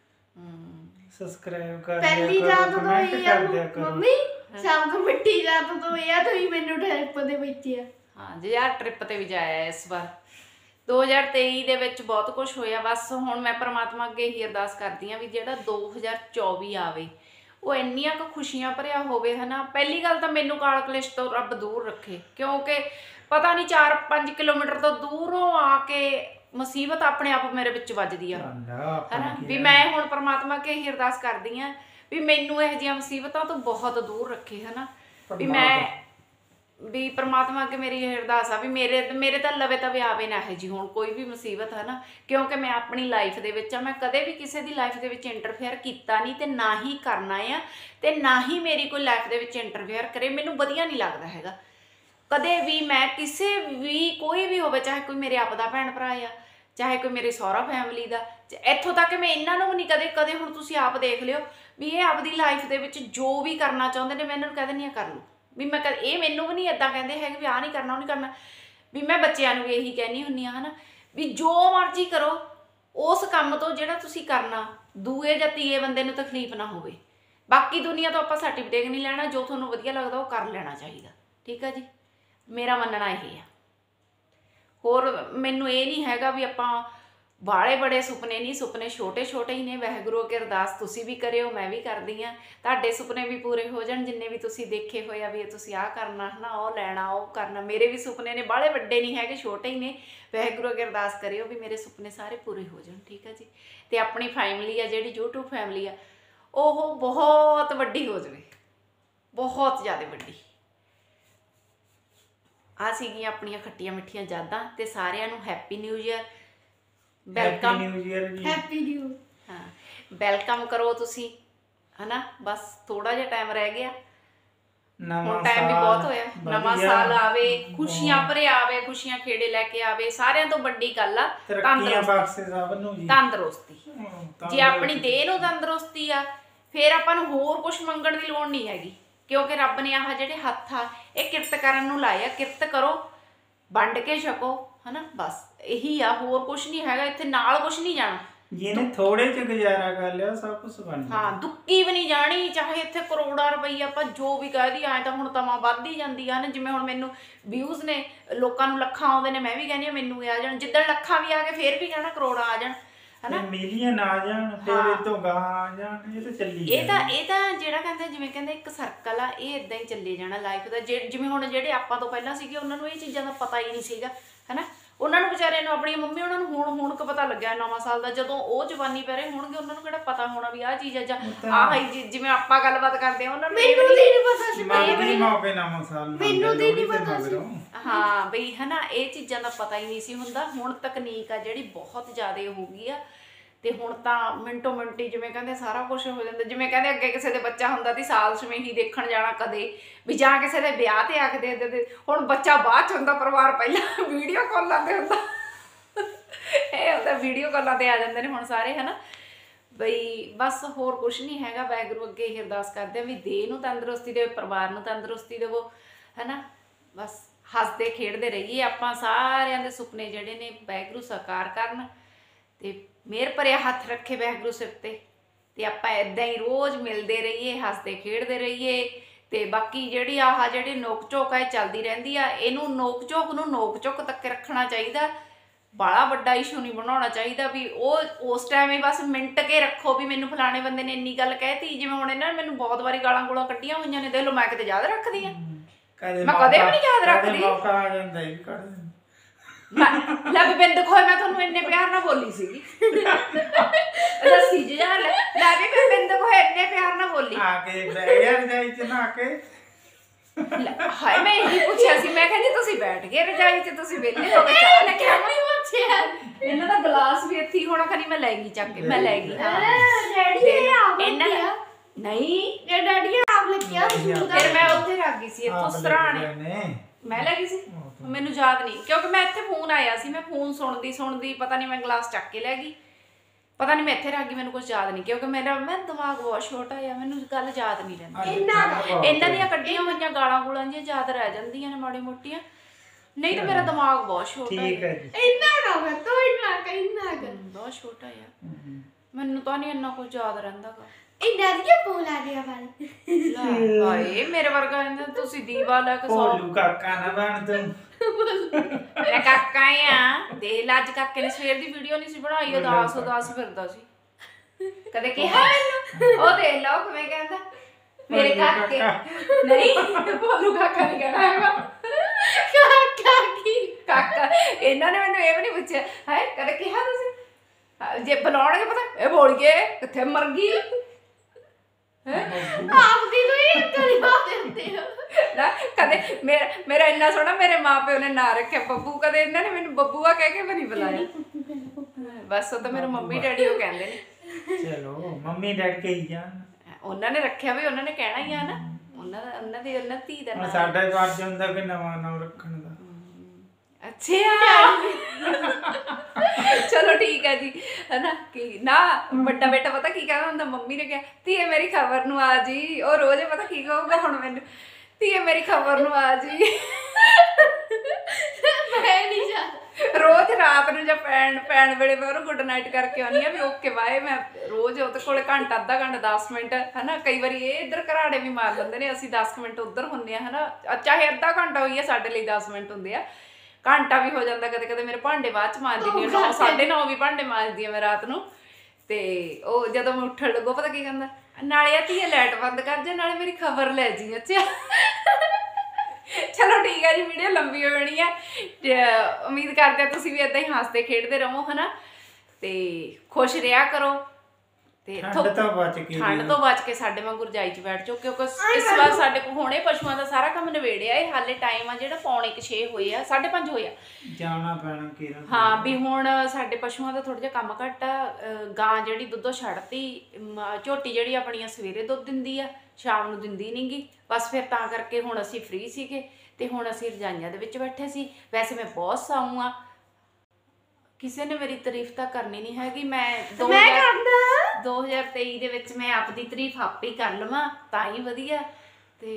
Speaker 3: ਸਬਸਕ੍ਰਾਈਬ ਕਰ ਦਿਆ ਕਰੋ,
Speaker 2: ਪਹਿਲੀ ਯਾਦ ਤੋਂ
Speaker 3: ਕਮੈਂਟ ਕਰ ਦਿਆ ਕਰੋ।
Speaker 2: ਮੰਮੀ ਸਭ ਤੋਂ ਮਿੱਠੀ ਯਾਦ ਤੋਂ ਇਹ ਆ ਤੁਸੀਂ ਮੈਨੂੰ ਟ੍ਰਿਪ ਦੇ ਵਿੱਚ ਆ।
Speaker 1: ਹਾਂ ਜੀ ਯਾਰ, ਟ੍ਰਿਪ ਤੇ ਵੀ ਜਾਇਆ ਇਸ ਵਾਰ। 2023 ਦੇ ਵਿੱਚ ਬਹੁਤ ਕੁਝ ਹੋਇਆ। ਬਸ ਹੁਣ ਮੈਂ ਪ੍ਰਮਾਤਮਾ ਅੱਗੇ ਹੀ ਅਰਦਾਸ ਕਰਦੀ ਹਾਂ ਵੀ ਜਿਹੜਾ 2024 ਆਵੇ ਉਹ ਇੰਨੀਆਂ ਕੁ ਖੁਸ਼ੀਆਂ ਭਰਿਆ ਹੋਵੇ ਹਨਾ। ਪਹਿਲੀ ਗੱਲ ਤਾਂ ਮੈਨੂੰ ਕਾਲ ਕਲੇਸ਼ ਤੋਂ ਰੱਬ ਦੂਰ ਰੱਖੇ, ਕਿਉਂਕਿ ਪਤਾ ਨਹੀਂ 4-5 ਕਿਲੋਮੀਟਰ ਤੋਂ ਦੂਰੋਂ ਆ ਕੇ ਮੁਸੀਬਤ ਆਪਣੇ ਆਪ ਮੇਰੇ ਵਿੱਚ ਵੱਜਦੀ ਆ ਹਨਾ। ਵੀ ਮੈਂ ਹੁਣ ਪ੍ਰਮਾਤਮਾ ਅੱਗੇ ਹੀ ਅਰਦਾਸ ਕਰਦੀ ਹਾਂ ਵੀ ਮੈਨੂੰ ਇਹੋ ਜਿਹੀਆਂ ਮੁਸੀਬਤਾਂ ਤੋਂ ਬਹੁਤ ਦੂਰ ਰੱਖੇ ਹਨਾ। ਵੀ ਪ੍ਰਮਾਤਮਾ ਅੱਗੇ ਮੇਰੀ ਇਹ ਅਰਦਾਸ ਆ ਵੀ ਮੇਰੇ ਤਾਂ ਲਵੇ ਤਵੇ ਆਵੇ ਨਾ ਇਹ ਜੀ ਹੁਣ ਕੋਈ ਵੀ ਮੁਸੀਬਤ ਹੈ ਨਾ। ਕਿਉਂਕਿ ਮੈਂ ਆਪਣੀ ਲਾਈਫ ਦੇ ਵਿੱਚ ਆ, ਮੈਂ ਕਦੇ ਵੀ ਕਿਸੇ ਦੀ ਲਾਈਫ ਦੇ ਵਿੱਚ ਇੰਟਰਫੇਅਰ ਕੀਤਾ ਨਹੀਂ ਤੇ ਨਾ ਹੀ ਕਰਨਾ ਆ, ਤੇ ਨਾ ਹੀ ਮੇਰੀ ਕੋਈ ਲਾਈਫ ਦੇ ਵਿੱਚ ਇੰਟਰਫੇਅਰ ਕਰੇ। ਮੈਨੂੰ ਵਧੀਆ ਨਹੀਂ ਲੱਗਦਾ ਹੈਗਾ ਕਦੇ ਵੀ। ਮੈਂ ਕਿਸੇ ਵੀ ਕੋਈ ਵੀ ਹੋਵੇ, ਚਾਹੇ ਕੋਈ ਮੇਰੇ ਆਪ ਦਾ ਭੈਣ ਭਰਾ ਆ, ਚਾਹੇ ਕੋਈ ਮੇਰੇ ਸਹੁਰਾ ਫੈਮਿਲੀ ਦਾ, ਇੱਥੋਂ ਤੱਕ ਮੈਂ ਇਹਨਾਂ ਨੂੰ ਵੀ ਨਹੀਂ ਕਦੇ ਹੁਣ ਤੁਸੀਂ ਆਪ ਦੇਖ ਲਿਓ ਵੀ ਇਹ ਆਪਦੀ ਲਾਈਫ ਦੇ ਵਿੱਚ ਜੋ ਵੀ ਕਰਨਾ ਚਾਹੁੰਦੇ ਨੇ ਮੈਂ ਇਹਨਾਂ ਨੂੰ ਕਹਿ ਦਿੰਦੀ ਹਾਂ ਕਰ ਲਓ। ਵੀ ਮੈਂ ਇਹ ਮੈਨੂੰ ਵੀ ਨਹੀਂ ਇੱਦਾਂ ਕਹਿੰਦੇ ਹੈਗੇ ਵੀ ਆਹ ਨਹੀਂ ਕਰਨਾ ਉਹ ਨਹੀਂ ਕਰਨਾ। ਵੀ ਮੈਂ ਬੱਚਿਆਂ ਨੂੰ ਵੀ ਇਹੀ ਕਹਿੰਦੀ ਹੁੰਦੀ ਹਾਂ ਹਨਾ ਵੀ ਜੋ ਮਰਜ਼ੀ ਕਰੋ, ਉਸ ਕੰਮ ਤੋਂ ਜਿਹੜਾ ਤੁਸੀਂ ਕਰਨਾ ਦੂਏ ਜਾਂ ਤੀਏ ਬੰਦੇ ਨੂੰ ਤਕਲੀਫ ਨਾ ਹੋਵੇ। ਬਾਕੀ ਦੁਨੀਆ ਤੋਂ ਆਪਾਂ ਸਰਟੀਫਿਕੇਟ ਨਹੀਂ ਲੈਣਾ, ਜੋ ਤੁਹਾਨੂੰ ਵਧੀਆ ਲੱਗਦਾ ਉਹ ਕਰ ਲੈਣਾ ਚਾਹੀਦਾ, ਠੀਕ ਆ ਜੀ। ਮੇਰਾ ਮੰਨਣਾ ਇਹ ਆ। ਹੋਰ ਮੈਨੂੰ ਇਹ ਨਹੀਂ ਹੈਗਾ ਵੀ ਆਪਾਂ ਬਾਲੇ ਬੜੇ ਸੁਪਨੇ ਨਹੀਂ, ਸੁਪਨੇ ਛੋਟੇ ਛੋਟੇ ਹੀ ਨੇ। ਵਾਹਿਗੁਰੂ ਅੱਗੇ ਅਰਦਾਸ ਤੁਸੀਂ ਵੀ ਕਰਿਓ, ਮੈਂ ਵੀ ਕਰਦੀ ਹਾਂ, ਤੁਹਾਡੇ ਸੁਪਨੇ ਵੀ ਪੂਰੇ ਹੋ ਜਾਣ ਜਿੰਨੇ ਵੀ ਤੁਸੀਂ ਦੇਖੇ ਹੋਏ ਆ ਵੀ ਤੁਸੀਂ ਆਹ ਕਰਨਾ ਹੈ ਨਾ, ਉਹ ਲੈਣਾ, ਉਹ ਕਰਨਾ। ਮੇਰੇ ਵੀ ਸੁਪਨੇ ਨੇ, ਬਾਲੇ ਵੱਡੇ ਨਹੀਂ ਹੈਗੇ, ਛੋਟੇ ਹੀ ਨੇ। ਵਾਹਿਗੁਰੂ ਅੱਗੇ ਅਰਦਾਸ ਕਰਿਓ ਵੀ ਮੇਰੇ ਸੁਪਨੇ ਸਾਰੇ ਪੂਰੇ ਹੋ ਜਾਣ, ਠੀਕ ਹੈ ਜੀ। ਤੇ ਆਪਣੀ ਫੈਮਿਲੀ ਆ ਜਿਹੜੀ YouTube ਫੈਮਿਲੀ ਆ ਉਹ ਬਹੁਤ ਵੱਡੀ ਹੋ ਜਾਵੇ, ਬਹੁਤ ਜ਼ਿਆਦਾ ਵੱਡੀ। ਆਹ ਸੀਗੀਆਂ ਆਪਣੀਆਂ ਖੱਟੀਆਂ ਮਿੱਠੀਆਂ ਯਾਦਾਂ। ਤੇ ਸਾਰਿਆਂ ਨੂੰ happy new year. Welcome
Speaker 3: new year ਜੀ।
Speaker 2: Happy new.
Speaker 1: ਹਾਂ ਵੈਲਕਮ ਕਰੋ ਤੁਸੀਂ ਹਨਾ। ਬਸ ਥੋੜਾ ਜਿਹਾ ਟਾਈਮ ਰਹਿ ਗਿਆ, ਹੁਣ ਟਾਈਮ ਵੀ ਬਹੁਤ ਹੋਇਆ। ਨਵਾਂ ਸਾਲ ਆਵੇ, ਖੁਸ਼ੀਆਂ ਭਰਿਆ ਆਵੇ, ਖੁਸ਼ੀਆਂ ਖੇੜੇ ਲੈ ਕੇ ਆਵੇ। ਸਾਰਿਆਂ ਤੋਂ ਵੱਡੀ ਗੱਲ ਆ
Speaker 3: ਤਰੱਕੀਆਂ ਬਖਸ਼ੇ ਸਭ ਨੂੰ ਜੀ।
Speaker 1: ਤੰਦਰੁਸਤੀ। ਜੇ ਆਪਣੀ ਦੇਹ ਨੂੰ ਤੰਦਰੁਸਤੀ ਆ ਫਿਰ ਆਪਾਂ ਨੂੰ ਹੋਰ ਕੁਝ ਮੰਗਣ ਦੀ ਲੋੜ ਨਹੀਂ ਹੈਗੀ, ਕਿਉਂਕਿ ਰੱਬ ਨੇ ਆਹ ਜਿਹੜੇ ਹੱਥ ਆ ਇਹ ਕਿਰਤ ਕਰਨ ਨੂੰ ਲਾਏ ਆ। ਕਿਰਤ ਕਰੋ, ਵੰਡ ਕੇ ਛਕੋ ਹਨਾ। ਬਸ ਇਹੀ ਆ, ਹੋਰ ਕੁਝ ਨਹੀਂ ਹੈਗਾ ਇੱਥੇ, ਨਾਲ ਕੁਝ ਨਹੀਂ ਜਾਣਾ।
Speaker 3: ਜਿਹਨੇ ਥੋੜੇ ਚ ਗੁਜ਼ਾਰਾ ਕਰ ਲਿਆ ਸਭ ਕੁਝ ਬਣ ਗਿਆ।
Speaker 1: ਹਾਂ ਦੁੱਕੀ ਵੀ ਨਹੀਂ ਜਾਣੀ, ਚਾਹੇ ਇੱਥੇ ਕਰੋੜਾਂ ਰੁਪਈਆ ਆਪਾਂ ਜੋ ਵੀ ਕਹਿ ਦੀ ਆਏ ਤਾਂ ਹੁਣ ਤਮਾਂ ਵੱਧਦੀ ਜਾਂਦੀ ਆ ਨਾ। ਜਿਵੇਂ ਹੁਣ ਮੈਨੂੰ ਵਿਊਜ਼ ਨੇ, ਲੋਕਾਂ ਨੂੰ ਲੱਖਾਂ ਆਉਂਦੇ ਨੇ, ਮੈਂ ਵੀ ਕਹਿੰਦੀ ਆ ਮੈਨੂੰ ਵੀ ਆ ਜਾਣ। ਜਿੱਦਣ ਲੱਖਾਂ ਵੀ ਆ ਗਏ ਫੇਰ ਵੀ ਕਹਿਣਾ ਕਰੋੜਾਂ ਆ ਜਾਣ ਹਨਾ।
Speaker 3: ਮਿਲੀਅਨ ਆ ਜਾਣ ਫਿਰ ਇਹ ਤੋਂ ਗਾਂ ਆ ਜਾਣ, ਇਹ ਤਾਂ ਚੱਲੀ
Speaker 1: ਇਹ ਤਾਂ ਜਿਹੜਾ ਕਹਿੰਦੇ ਜਿਵੇਂ ਕਹਿੰਦੇ ਇੱਕ ਸਰਕਲ ਆ, ਇਹ ਇਦਾਂ ਹੀ ਚੱਲੇ ਜਾਣਾ ਲਾਈਫ ਦਾ। ਜਿਵੇਂ ਹੁਣ ਜਿਹੜੇ ਆਪਾਂ ਤੋਂ ਪਹਿਲਾਂ ਸੀਗੇ ਉਹਨਾਂ ਨੂੰ ਇਹ ਚੀਜ਼ਾਂ ਦਾ ਪਤਾ ਹੀ ਨਹੀਂ ਸੀਗਾ ਹਨਾ। ਉਹਨਾਂ ਨੂੰ ਵਿਚਾਰਿਆਂ ਨੂੰ, ਆਪਣੀ ਮੰਮੀ ਉਹਨਾਂ ਨੂੰ ਹੁਣ ਕੁ ਪਤਾ ਲੱਗਿਆ ਨਵਾਂ ਸਾਲ ਦਾ। ਜਦੋਂ ਉਹ ਜਵਾਨੀ ਪੈ ਰਹੇ ਹੋਣਗੇ ਉਹਨਾਂ ਨੂੰ ਕਿਹੜਾ ਪਤਾ ਹੋਣਾ ਵੀ ਆਹ ਚੀਜ਼ ਆ ਜਾਂ ਆਹ ਹੀ। ਜਿਵੇਂ ਆਪਾਂ ਗੱਲਬਾਤ ਕਰਦੇ ਆ ਉਹਨਾਂ ਨੂੰ
Speaker 2: ਮੈਨੂੰ ਨਹੀਂ ਪਤਾ ਸੀ।
Speaker 3: ਮੰਗਦੀ ਮੌਕੇ ਨਵਾਂ ਸਾਲ
Speaker 2: ਮੈਨੂੰ ਤੇ ਨਹੀਂ ਪਤਾ ਸੀ।
Speaker 1: ਹਾਂ ਬਈ ਹਨਾ, ਇਹ ਚੀਜ਼ਾਂ ਦਾ ਪਤਾ ਹੀ ਨਹੀਂ ਸੀ ਹੁੰਦਾ। ਹੁਣ ਤਕਨੀਕ ਆ ਜਿਹੜੀ ਬਹੁਤ ਜ਼ਿਆਦਾ ਹੋ ਗਈ ਆ, ਤੇ ਹੁਣ ਤਾਂ ਮਿੰਟੋ ਮਿੰਟੀ ਜਿਵੇਂ ਕਹਿੰਦੇ ਸਾਰਾ ਕੁਝ ਹੋ ਜਾਂਦਾ। ਜਿਵੇਂ ਕਹਿੰਦੇ ਅੱਗੇ ਕਿਸੇ ਦੇ ਬੱਚਾ ਹੁੰਦਾ ਸੀ ਸਾਲ ਛਵੇਂ ਹੀ ਦੇਖਣ ਜਾਣਾ ਕਦੇ ਵੀ, ਜਾਂ ਕਿਸੇ ਦੇ ਵਿਆਹ ਤੇ ਆ ਕੇ ਦੇ ਦਿੰਦੇ। ਹੁਣ ਬੱਚਾ ਬਾਅਦ ਚ ਹੁੰਦਾ, ਪਰਿਵਾਰ ਪਹਿਲਾਂ ਵੀਡੀਓ ਕਾਲਾਂ ਤੇ ਹੁੰਦਾ। ਇਹ ਹੁੰਦਾ ਵੀਡੀਓ ਕਾਲਾਂ ਤੇ ਆ ਜਾਂਦੇ ਨੇ ਹੁਣ ਸਾਰੇ ਹਨਾ। ਬਈ ਬਸ ਹੋਰ ਕੁਝ ਨਹੀਂ ਹੈਗਾ। ਵਾਹਿਗੁਰੂ ਅੱਗੇ ਇਹ ਅਰਦਾਸ ਕਰਦੇ ਆ ਵੀ ਦੇਹ ਨੂੰ ਤੰਦਰੁਸਤੀ ਦੇਵੇ, ਪਰਿਵਾਰ ਨੂੰ ਤੰਦਰੁਸਤੀ ਦੇਵੋ ਹਨਾ। ਬਸ ਹੱਸਦੇ ਖੇਡਦੇ ਰਹੀਏ, ਆਪਾਂ ਸਾਰਿਆਂ ਦੇ ਸੁਪਨੇ ਜਿਹੜੇ ਨੇ ਵਾਹਿਗੁਰੂ ਸਾਕਾਰ ਕਰਨ ਤੇ ਮਿਹਰ ਭਰਿਆ ਹੱਥ ਰੱਖੇ ਵਾਹਿਗੁਰੂ ਸਿਰ ਤੇ ਆਪਾਂ ਇਦਾਂ ਹੀ ਰੋਜ਼ ਮਿਲਦੇ ਰਹੀਏ, ਹੱਸਦੇ ਖੇਡਦੇ ਰਹੀਏ। ਤੇ ਬਾਕੀ ਜਿਹੜੀ ਜਿਹੜੀ ਨੋਕ ਝੋਕ ਹੈ ਚੱਲਦੀ ਰਹਿੰਦੀ ਆ, ਇਹਨੂੰ ਨੋਕ ਝੋਕ ਤੱਕ ਰੱਖਣਾ ਚਾਹੀਦਾ। ਬੜਾ ਵੱਡਾ ਇਸ਼ੂ ਨਹੀਂ ਬਣਾਉਣਾ ਚਾਹੀਦਾ ਵੀ ਉਹ ਉਸ ਟਾਈਮ ਹੀ ਬਸ ਮਿੰਟ ਕੇ ਰੱਖੋ ਵੀ ਮੈਨੂੰ ਫਲਾਣੇ ਬੰਦੇ ਨੇ ਇੰਨੀ ਗੱਲ ਕਹਿਤੀ। ਜਿਵੇਂ ਹੁਣ ਇਹਨਾਂ ਨੇ ਮੈਨੂੰ ਬਹੁਤ ਵਾਰੀ ਗਾਲਾਂ ਗੋਲਾਂ ਕੱਢੀਆਂ ਹੋਈਆਂ ਨੇ, ਦੇਖ ਲਓ ਮੈਂ ਕਿਤੇ ਯਾਦ ਰੱਖਦੀ ਆ? ਮੈਂ ਕਦੇ ਵੀ ਨਹੀਂ ਯਾਦ ਰੱਖਦੀ।
Speaker 3: ਮੌਕਾ ਆ ਜਾਂਦਾ ਹੀ ਕੱਢ ਦਿੰਦਾ।
Speaker 1: ਲੈ ਵੀ ਬਿੰਦ ਖੋਏ ਮੈਂ ਤੁਹਾਨੂੰ ਇੰਨੇ ਪਿਆਰ ਨਾਲ ਬੋਲੀ ਸੀਗੀ। ਦੱਸੀ ਜੀ ਲੈ ਵੀ ਮੈਂ ਬਿੰਦ ਖੋਏ ਇੰਨੇ ਪਿਆਰ ਨਾਲ ਬੋਲੀ
Speaker 3: ਆ ਕੇ ਬਹਿ ਗਿਆ ਰਜਾਈ ਚ ਨਾ ਕੇ।
Speaker 1: ਹਾਏ ਮੈਂ ਇਹੀ ਪੁੱਛਿਆ ਸੀ, ਮੈਂ ਕਹਿੰਦੀ ਤੁਸੀਂ ਬੈਠ ਗਏ ਰਜਾਈ ਚ, ਤੁਸੀਂ ਵਿਹਲੇ ਹੋ ਕੇ ਚਾਹ ਲੈ ਕੇ ਆਉਣੀ ਪੁੱਛਿਆ। ਇਹਨਾਂ ਦਾ ਗਲਾਸ ਵੀ ਇੱਥੇ ਹੋਣਾ, ਖਨੀ ਮੈਂ ਲੈ ਗਈ ਚੱਕ ਕੇ। ਮੈਂ ਲੈ ਗਈ ਹਾਂ
Speaker 2: ਡੈਡੀ ਇਹ ਆਪ
Speaker 1: ਇਹਨਾਂ ਦਾ ਨਹੀਂ,
Speaker 2: ਇਹ ਡੈਡੀ ਆਪ ਲੱਗਿਆ।
Speaker 1: ਫਿਰ ਮੈਂ ਉੱਥੇ ਰੱਖ ਗਈ ਸੀ ਇੱਥੋਂ ਸਰਾਣੇ ਮੈਂ ਲੈ ਗਈ ਸੀ। ਮੈਨੂੰ ਯਾਦ ਨਹੀਂ ਕਿਉਂਕਿ ਮੈਂ ਇੱਥੇ ਫੋਨ ਆਇਆ ਸੀ, ਮੈਂ ਫੋਨ ਸੁਣਦੀ ਪਤਾ ਨਹੀਂ ਮੈਂ ਗਲਾਸ ਚੱਕ ਕੇ ਲੈ ਗਈ, ਪਤਾ ਨਹੀਂ ਮੈਂ ਇੱਥੇ ਰੱਖ ਗਈ, ਮੈਨੂੰ ਕੁਝ ਯਾਦ ਨਹੀਂ ਕਿਉਂਕਿ ਮੈਂ ਦਿਮਾਗ ਬਹੁਤ ਛੋਟਾ ਆ, ਮੈਨੂੰ ਗੱਲ ਯਾਦ ਨਹੀਂ ਰਹਿੰਦੀ। ਇਹਨਾਂ ਦੀਆਂ ਕੱਢੀਆਂ ਹੋਈਆਂ ਗਾਲਾਂ ਗੂਲਾਂ ਜਿਹੀਆਂ ਯਾਦ ਰਹਿ ਜਾਂਦੀਆਂ ਨੇ ਮਾੜੀ ਮੋਟੀਆਂ, ਨਹੀਂ ਤਾਂ ਮੇਰਾ ਦਿਮਾਗ ਬਹੁਤ ਛੋਟਾ ਹੈ। ਬਹੁਤ ਛੋਟਾ ਆ, ਮੈਨੂੰ ਤਾਂ ਨਹੀਂ ਇੰਨਾ ਕੁਝ ਯਾਦ ਰਹਿੰਦਾਗਾ। ਹਾਏ ਮੇਰੇ ਵਰਗਾ ਤੁਸੀਂ ਦੀਵਾ ਲੈ ਕੇ
Speaker 3: ਭੋਲੂ ਕਾਕਾ ਨਾ ਬਣ ਤੂੰ।
Speaker 1: ਮੈਂ ਕਾਕਾ ਆ। ਦੇਖ ਲਾ ਅੱਜ ਕਾਕੇ ਨੇ ਸਵੇਰ ਦੀ ਵੀਡੀਓ ਨਹੀਂ ਸੀ ਬਣਾਈ, ਉਦਾਸ ਫਿਰਦਾ ਸੀ। ਕਦੇ ਕਿਹਾ ਮੈਨੂੰ? ਉਹ ਦੇਖ ਲਓ ਕਿਵੇਂ ਕਹਿੰਦਾ ਮੇਰੇ ਕਾਕੇ। ਨਹੀਂ ਭੋਲੂ ਕਾਕਾ ਨਹੀਂ ਕਹਿਣਾ ਹੈਗਾ, ਕਾਕਾ। ਇਹਨਾਂ ਨੇ ਮੈਨੂੰ ਇਹ ਵੀ ਨਹੀਂ ਪੁੱਛਿਆ ਹਾਏ ਕਦੇ ਕਿਹਾ ਤੁਸੀਂ? ਜੇ ਬੁਲਾਉਣਗੇ ਪਤਾ ਇਹ ਬੋਲ ਗਏ ਕਿੱਥੇ ਮਰ ਗਈ ਕਦੇ ਮੇਰਾ ਇੰਨਾ ਸੋਹਣਾ ਮੇਰੇ ਮਾਂ ਪਿਓ ਨੇ ਨਾਂ ਰੱਖਿਆ ਬੱਬੂ, ਕਦੇ ਇਹਨਾਂ ਨੇ ਮੈਨੂੰ ਬੱਬੂਆ ਕਹਿ ਕੇ ਵੀ ਨਹੀਂ ਬੁਲਾਇਆ। ਬਸ ਉਹ ਤਾਂ ਮੇਰੇ ਮੰਮੀ ਡੈਡੀ ਉਹ ਕਹਿੰਦੇ ਨੇ।
Speaker 3: ਚਲੋ ਮੰਮੀ ਡੈਡ ਕੇ ਹੀ ਜਾਣ,
Speaker 1: ਉਹਨਾਂ ਨੇ ਰੱਖਿਆ ਵੀ ਉਹਨਾਂ ਨੇ ਕਹਿਣਾ ਹੀ ਆ ਨਾ, ਉਹਨਾਂ ਧੀ ਦਾ ਨਾਂ।
Speaker 3: ਸਾਡਾ ਹੀ ਫਰਜ਼ ਹੁੰਦਾ ਕਿ ਨਵਾਂ ਨਾਮ ਰੱਖਣ ਦਾ।
Speaker 1: ਅੱਛਾ ਚਲੋ ਠੀਕ ਹੈ ਜੀ ਹਨਾ। ਕਿ ਨਾ ਵੱਡਾ ਬੇਟਾ ਪਤਾ ਕੀ ਕਹਿੰਦਾ ਹੁੰਦਾ, ਮੰਮੀ ਨੇ ਕਿਹਾ ਧੀਏ ਮੇਰੀ ਖਬਰ ਨੂੰ ਆ ਜੀ। ਉਹ ਰੋਜ਼ ਪਤਾ ਕੀ ਕਹੂਗਾ ਹੁਣ ਮੈਨੂੰ, ਧੀਏ ਮੇਰੀ ਖਬਰ ਨੂੰ ਆ ਜੀ।
Speaker 2: ਮੈਂ ਨਹੀਂ ਜਾ
Speaker 1: ਰੋਜ਼ ਰਾਤ ਨੂੰ ਜਾਂ ਪੈਣ ਵੇਲੇ ਮੈਂ ਉਹਨੂੰ ਗੁੱਡ ਨਾਈਟ ਕਰਕੇ ਆਉਂਦੀ ਆ ਵੀ ਓਕੇ ਬਾਏ। ਮੈਂ ਰੋਜ਼ ਉਹਦੇ ਕੋਲੇ ਘੰਟਾ ਅੱਧਾ ਘੰਟਾ 10 ਮਿੰਟ ਹਨਾ, ਕਈ ਵਾਰੀ ਇਹ ਇੱਧਰ ਘਰਾੜੇ ਵੀ ਮਾਰ ਲੈਂਦੇ ਨੇ, ਅਸੀਂ 10 ਮਿੰਟ ਉੱਧਰ ਹੁੰਦੇ ਆ ਹਨਾ। ਚਾਹੇ ਅੱਧਾ ਘੰਟਾ ਹੋਈਏ ਸਾਡੇ ਲਈ 10 ਮਿੰਟ ਹੁੰਦੇ ਆ, ਘੰਟਾ ਵੀ ਹੋ ਜਾਂਦਾ ਕਦੇ ਕਦੇ। ਮੇਰੇ ਭਾਂਡੇ ਬਾਅਦ ਚ ਮਾਂਜਦੀ ਨਹੀਂ, 9:30 ਵੀ ਭਾਂਡੇ ਮਾਂਜਦੀ ਆ ਮੈਂ ਰਾਤ ਨੂੰ। ਤੇ ਉਹ ਜਦੋਂ ਮੈਂ ਉੱਠਣ ਲੱਗੋ ਪਤਾ ਕੀ ਕਹਿੰਦਾ, ਨਾਲੇ ਆ ਧੀਏ ਲਾਈਟ ਬੰਦ ਕਰ ਜਾ, ਨਾਲੇ ਮੇਰੀ ਖਬਰ ਲੈ ਜੀ। ਅੱਛਾ ਚਲੋ ਠੀਕ ਹੈ ਜੀ, ਵੀਡੀਓ ਲੰਬੀ ਹੋ ਜਾਣੀ ਹੈ। ਉਮੀਦ ਕਰਦੇ ਆ ਤੁਸੀਂ ਵੀ ਏਦਾਂ ਹੀ ਹੱਸਦੇ ਖੇਡਦੇ ਰਹੋ ਹਨਾ, ਤੇ ਖੁਸ਼ ਰਿਹਾ ਕਰੋ ਤੇ
Speaker 3: ਠੰਡ ਤੋਂ ਬਚ ਕੇ
Speaker 1: ਠੰਡ ਤੋਂ ਬਚ ਕੇ ਸਾਡੇ ਵਾਂਗੂ ਰਜਾਈ 'ਚ ਬੈਠ ਜਾਓ, ਕਿਉਂਕਿ ਇਸ ਵਾਰ ਸਾਡੇ ਕੋਲ ਹੁਣੇ ਪਸ਼ੂਆਂ ਦਾ ਸਾਰਾ ਕੰਮ ਨਿਬੇੜਿਆ ਇਹ ਹਾਲੇ ਟਾਈਮ ਆ ਜਿਹੜਾ 4:45 ਹੋਏ ਆ 5:30 ਹੋਏ ਆ
Speaker 3: ਜਾਣਾ ਪੈਣਾ ਕਿਰਨ
Speaker 1: ਹਾਂ ਵੀ ਹੁਣ ਸਾਡੇ ਪਸ਼ੂਆਂ ਦਾ ਥੋੜਾ ਜਿਹਾ ਕੰਮ ਘੱਟ ਆ ਗਾਂ ਜਿਹੜੀ ਦੁੱਧੋਂ ਛੱਡਤੀ ਝੋਟੀ ਜਿਹੜੀ ਆਪਣੀਆਂ ਸਵੇਰੇ ਦੁੱਧ ਦਿੰਦੀ ਆ ਸ਼ਾਮ ਨੂੰ ਦਿੰਦੀ ਨਹੀਂਗੀ ਬਸ ਫਿਰ ਤਾਂ ਕਰਕੇ ਹੁਣ ਅਸੀਂ ਫ੍ਰੀ ਸੀਗੇ ਤੇ ਹੁਣ ਅਸੀਂ ਰਜਾਈਆਂ ਦੇ ਵਿੱਚ ਬੈਠੇ ਸੀ। ਵੈਸੇ ਮੈਂ ਬਹੁਤ ਸਾਊ ਆ, ਕਿਸੇ ਨੇ ਮੇਰੀ ਤਾਰੀਫ ਤਾਂ ਕਰਨੀ ਨਹੀਂ ਹੈਗੀ। ਮੈਂ 2023 ਦੇ ਵਿੱਚ ਮੈਂ ਆਪਦੀ ਤਾਰੀਫ ਆਪੇ ਹੀ ਕਰ ਲਵਾਂ ਤਾਂ ਹੀ ਵਧੀਆ ਤੇ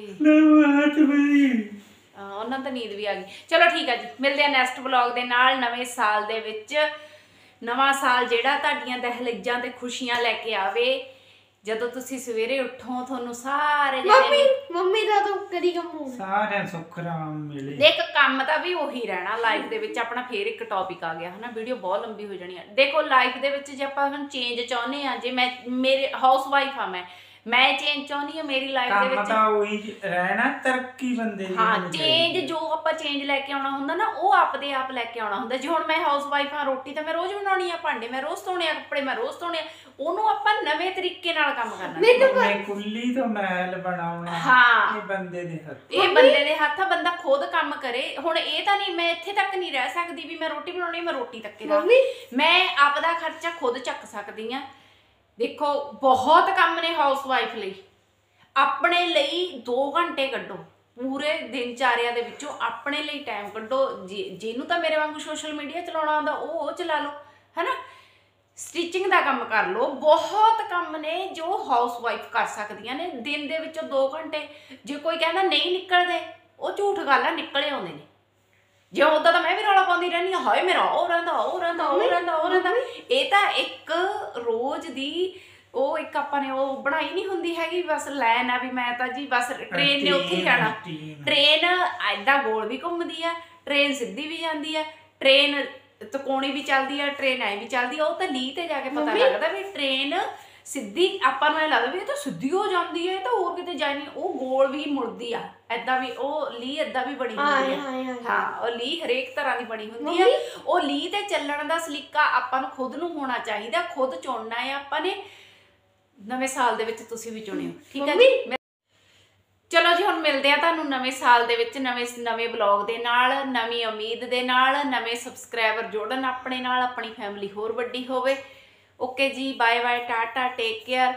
Speaker 1: ਉਹਨਾਂ ਦਾ ਨੀਂਦ ਵੀ ਆ ਗਈ। ਚਲੋ ਠੀਕ ਆ ਜੀ, ਮਿਲਦੇ ਆ ਨੈਕਸਟ ਵਲੌਗ ਦੇ ਨਾਲ ਨਵੇਂ ਸਾਲ ਦੇ ਵਿੱਚ। ਨਵਾਂ ਸਾਲ ਜਿਹੜਾ ਤੁਹਾਡੀਆਂ ਦਹਿਲੀਜ਼ਾਂ ਤੇ ਖੁਸ਼ੀਆਂ ਲੈ ਕੇ ਆਵੇ। ਜਦੋਂ ਤੁਸੀਂ ਸਵੇਰੇ ਉੱਠੋ ਤੁਹਾਨੂੰ ਸਾਰੇ
Speaker 2: ਮੰਮੀ ਦਾ ਤਾਂ ਕਦੀ ਕੰਮ
Speaker 3: ਸਾਰਿਆਂ ਸੁੱਖ ਰਾਮ ਮਿਲੇ।
Speaker 1: ਦੇਖ ਕੰਮ ਤਾਂ ਵੀ ਉਹੀ ਰਹਿਣਾ ਲਾਈਫ ਦੇ ਵਿੱਚ। ਆਪਣਾ ਫੇਰ ਇੱਕ ਟੌਪਿਕ ਆ ਗਿਆ ਹਨਾ, ਵੀਡੀਓ ਬਹੁਤ ਲੰਬੀ ਹੋ ਜਾਣੀ ਆ। ਦੇਖੋ ਲਾਈਫ ਦੇ ਵਿੱਚ ਜੇ ਆਪਾਂ ਹੁਣ ਚੇਂਜ ਚਾਹੁੰਦੇ ਆ, ਜੇ ਮੈਂ ਮੇਰੇ ਹਾਊਸ ਵਾਈਫ ਆ ਮੈਂ ਚੇਂਜ ਚਾਹੁੰਦੀ ਆ ਮੇਰੀ ਲਾਈਫ ਦੇ ਵਿੱਚ
Speaker 3: ਕੰਮ ਤਾਂ ਉਹੀ ਰਹਿਣਾ, ਤਰੱਕੀ ਬੰਦੇ ਦੀ
Speaker 1: ਹਾਂ ਚੇਂਜ ਜੋ ਆਪਾਂ ਚੇਂਜ ਲੈ ਕੇ ਆਉਣਾ ਹੁੰਦਾ ਨਾ ਉਹ ਆਪਦੇ ਆਪ ਲੈ ਕੇ ਆਉਣਾ ਹੁੰਦਾ। ਜੇ ਹੁਣ ਮੈਂ ਹਾਊਸ ਵਾਈਫ ਆ, ਰੋਟੀ ਤਾਂ ਮੈਂ ਰੋਜ਼ ਬਣਾਉਣੀ ਆ, ਭਾਂਡੇ ਮੈਂ ਰੋਜ਼ ਧੋਣੇ ਆ, ਕੱਪੜੇ ਮੈਂ ਰੋਜ਼ ਧੋਣੇ ਆ, ਉਹਨੂੰ ਆਪਾਂ ਨਵੇਂ ਤਰੀਕੇ ਨਾਲ ਕੰਮ ਕਰਨਾ।
Speaker 3: ਮੈਂ ਕੁੱਲੀ ਤੋਂ ਮਹਿਲ ਬਣਾਉਣਾ
Speaker 1: ਹਾਂ
Speaker 3: ਇਹ ਬੰਦੇ ਦੇ ਹੱਥ,
Speaker 1: ਇਹ ਬੰਦੇ ਦੇ ਹੱਥ ਆ। ਬੰਦਾ ਖੁਦ ਕੰਮ ਕਰੇ। ਹੁਣ ਇਹ ਤਾਂ ਨਹੀਂ ਮੈਂ ਇੱਥੇ ਤੱਕ ਨਹੀਂ ਰਹਿ ਸਕਦੀ ਵੀ ਮੈਂ ਰੋਟੀ ਬਣਾਉਣੀ ਮੈਂ ਰੋਟੀ ਤੱਕ ਹੀ ਰਹਾਂ। ਮੈਂ ਆਪਦਾ ਖਰਚਾ ਖੁਦ ਚੱਕ ਸਕਦੀ ਆ। ਦੇਖੋ ਬਹੁਤ ਕੰਮ ਨੇ ਹਾਊਸ ਵਾਈਫ ਲਈ। ਆਪਣੇ ਲਈ 2 ਘੰਟੇ ਕੱਢੋ ਪੂਰੇ ਦਿਨ ਚਾਰਿਆਂ ਦੇ ਵਿੱਚੋਂ, ਆਪਣੇ ਲਈ ਟਾਈਮ ਕੱਢੋ। ਜਿਹਨੂੰ ਤਾਂ ਮੇਰੇ ਵਾਂਗੂ ਸੋਸ਼ਲ ਮੀਡੀਆ ਚਲਾਉਣਾ ਆਉਂਦਾ ਉਹ ਚਲਾ ਲਓ ਹੈ ਨਾ, ਸਟਿਚਿੰਗ ਦਾ ਕੰਮ ਕਰ ਲਓ। ਬਹੁਤ ਕੰਮ ਨੇ ਜੋ ਹਾਊਸ ਵਾਈਫ ਕਰ ਸਕਦੀਆਂ ਨੇ ਦਿਨ ਦੇ ਵਿੱਚੋਂ 2 ਘੰਟੇ। ਜੇ ਕੋਈ ਕਹਿੰਦਾ ਨਹੀਂ ਨਿਕਲਦੇ, ਉਹ ਝੂਠ ਗੱਲ ਆ, ਨਿਕਲੇ ਆਉਂਦੇ ਨੇ। ਜੇ ਉਦਾਂ ਤਾਂ ਮੈਂ ਵੀ ਰੌਲਾ ਪਾਉਂਦੀ ਰਹਿੰਦੀ ਹਾਂ, ਹਾਏ ਮੇਰਾ ਉਹ ਰਹਿੰਦਾ। ਇਹ ਤਾਂ ਇੱਕ ਰੋਜ਼ ਦੀ ਉਹ ਇੱਕ ਆਪਾਂ ਨੇ ਉਹ ਬਣਾਈ ਨਹੀਂ ਹੁੰਦੀ ਹੈਗੀ ਬਸ ਲੈਨ ਆ ਵੀ ਮੈਂ ਤਾਂ ਜੀ ਬਸ ਟ੍ਰੇਨ ਨੇ ਉੱਥੇ ਹੀ ਜਾਣਾ। ਟ੍ਰੇਨ ਐਦਾਂ ਗੋਲ ਵੀ ਘੁੰਮਦੀ ਆ, ਟ੍ਰੇਨ ਸਿੱਧੀ ਵੀ ਜਾਂਦੀ ਆ, ਟ੍ਰੇਨ ਤਕੋਣੀ ਵੀ ਚੱਲਦੀ ਆ, ਟ੍ਰੇਨ ਐ ਵੀ ਚੱਲਦੀ ਆ। ਉਹ ਤਾਂ ਲੀਹ ਤੇ ਜਾ ਕੇ ਪਤਾ ਲੱਗਦਾ ਵੀ ਟ੍ਰੇਨ ਸਿੱਧੀ ਆਪਾਂ ਨੂੰ ਇਹ ਲੱਗਦਾ ਵੀ ਇਹ ਤਾਂ ਸਿੱਧੀ ਹੋ ਜਾਂਦੀ ਹੈ, ਇਹ ਤਾਂ ਹੋਰ ਕਿਤੇ ਜਾਈ ਨਹੀਂ। ਉਹ ਗੋਲ ਵੀ ਮੁੜਦੀ ਆ ਏਦਾਂ ਵੀ, ਉਹ ਲੀਹ ਏਦਾਂ ਵੀ ਬਣੀ ਹੁੰਦੀ ਆ। ਹਾਂ ਉਹ ਲੀਹ ਹਰੇਕ ਤਰ੍ਹਾਂ ਦੀ ਬਣੀ ਹੁੰਦੀ ਆ। ਉਹ ਲੀਹ ਤੇ ਚੱਲਣ ਦਾ ਸਲੀਕਾ ਆਪਾਂ ਨੂੰ ਖੁਦ ਨੂੰ ਹੋਣਾ ਚਾਹੀਦਾ, ਖੁਦ ਚੁਣਨਾ ਹੈ ਆਪਾਂ ਨੇ। ਨਵੇਂ ਸਾਲ ਦੇ ਵਿੱਚ ਤੁਸੀਂ ਵੀ ਚੁਣਿਓ, ਠੀਕ ਹੈ ਜੀ। ਚਲੋ ਜੀ ਹੁਣ ਮਿਲਦੇ ਆ ਤੁਹਾਨੂੰ ਨਵੇਂ ਸਾਲ ਦੇ ਵਿੱਚ ਨਵੇਂ ਵਲੌਗ ਦੇ ਨਾਲ, ਨਵੀਂ ਉਮੀਦ ਦੇ ਨਾਲ, ਨਵੇਂ ਸਬਸਕ੍ਰਾਈਬਰ ਜੋੜਨ ਆਪਣੇ ਨਾਲ, ਆਪਣੀ ਫੈਮਿਲੀ ਹੋਰ ਵੱਡੀ ਹੋਵੇ। ਓਕੇ ਜੀ, bye bye, tata, take care.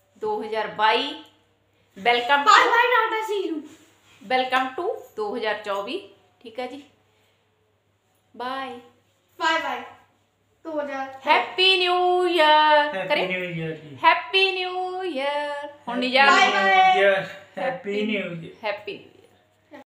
Speaker 1: 2022 welcome to 2024, ਠੀਕ ਹੈ ਜੀ। Bye bye 2000 happy new year ਕਰੇ, ਹੈਪੀ ਨਿਊ ਈਅਰ। ਹੁਣ ਨਹੀਂ ਜਾਣਾ,
Speaker 3: ਹੈਪੀ ਨਿਊ ਈਅਰ।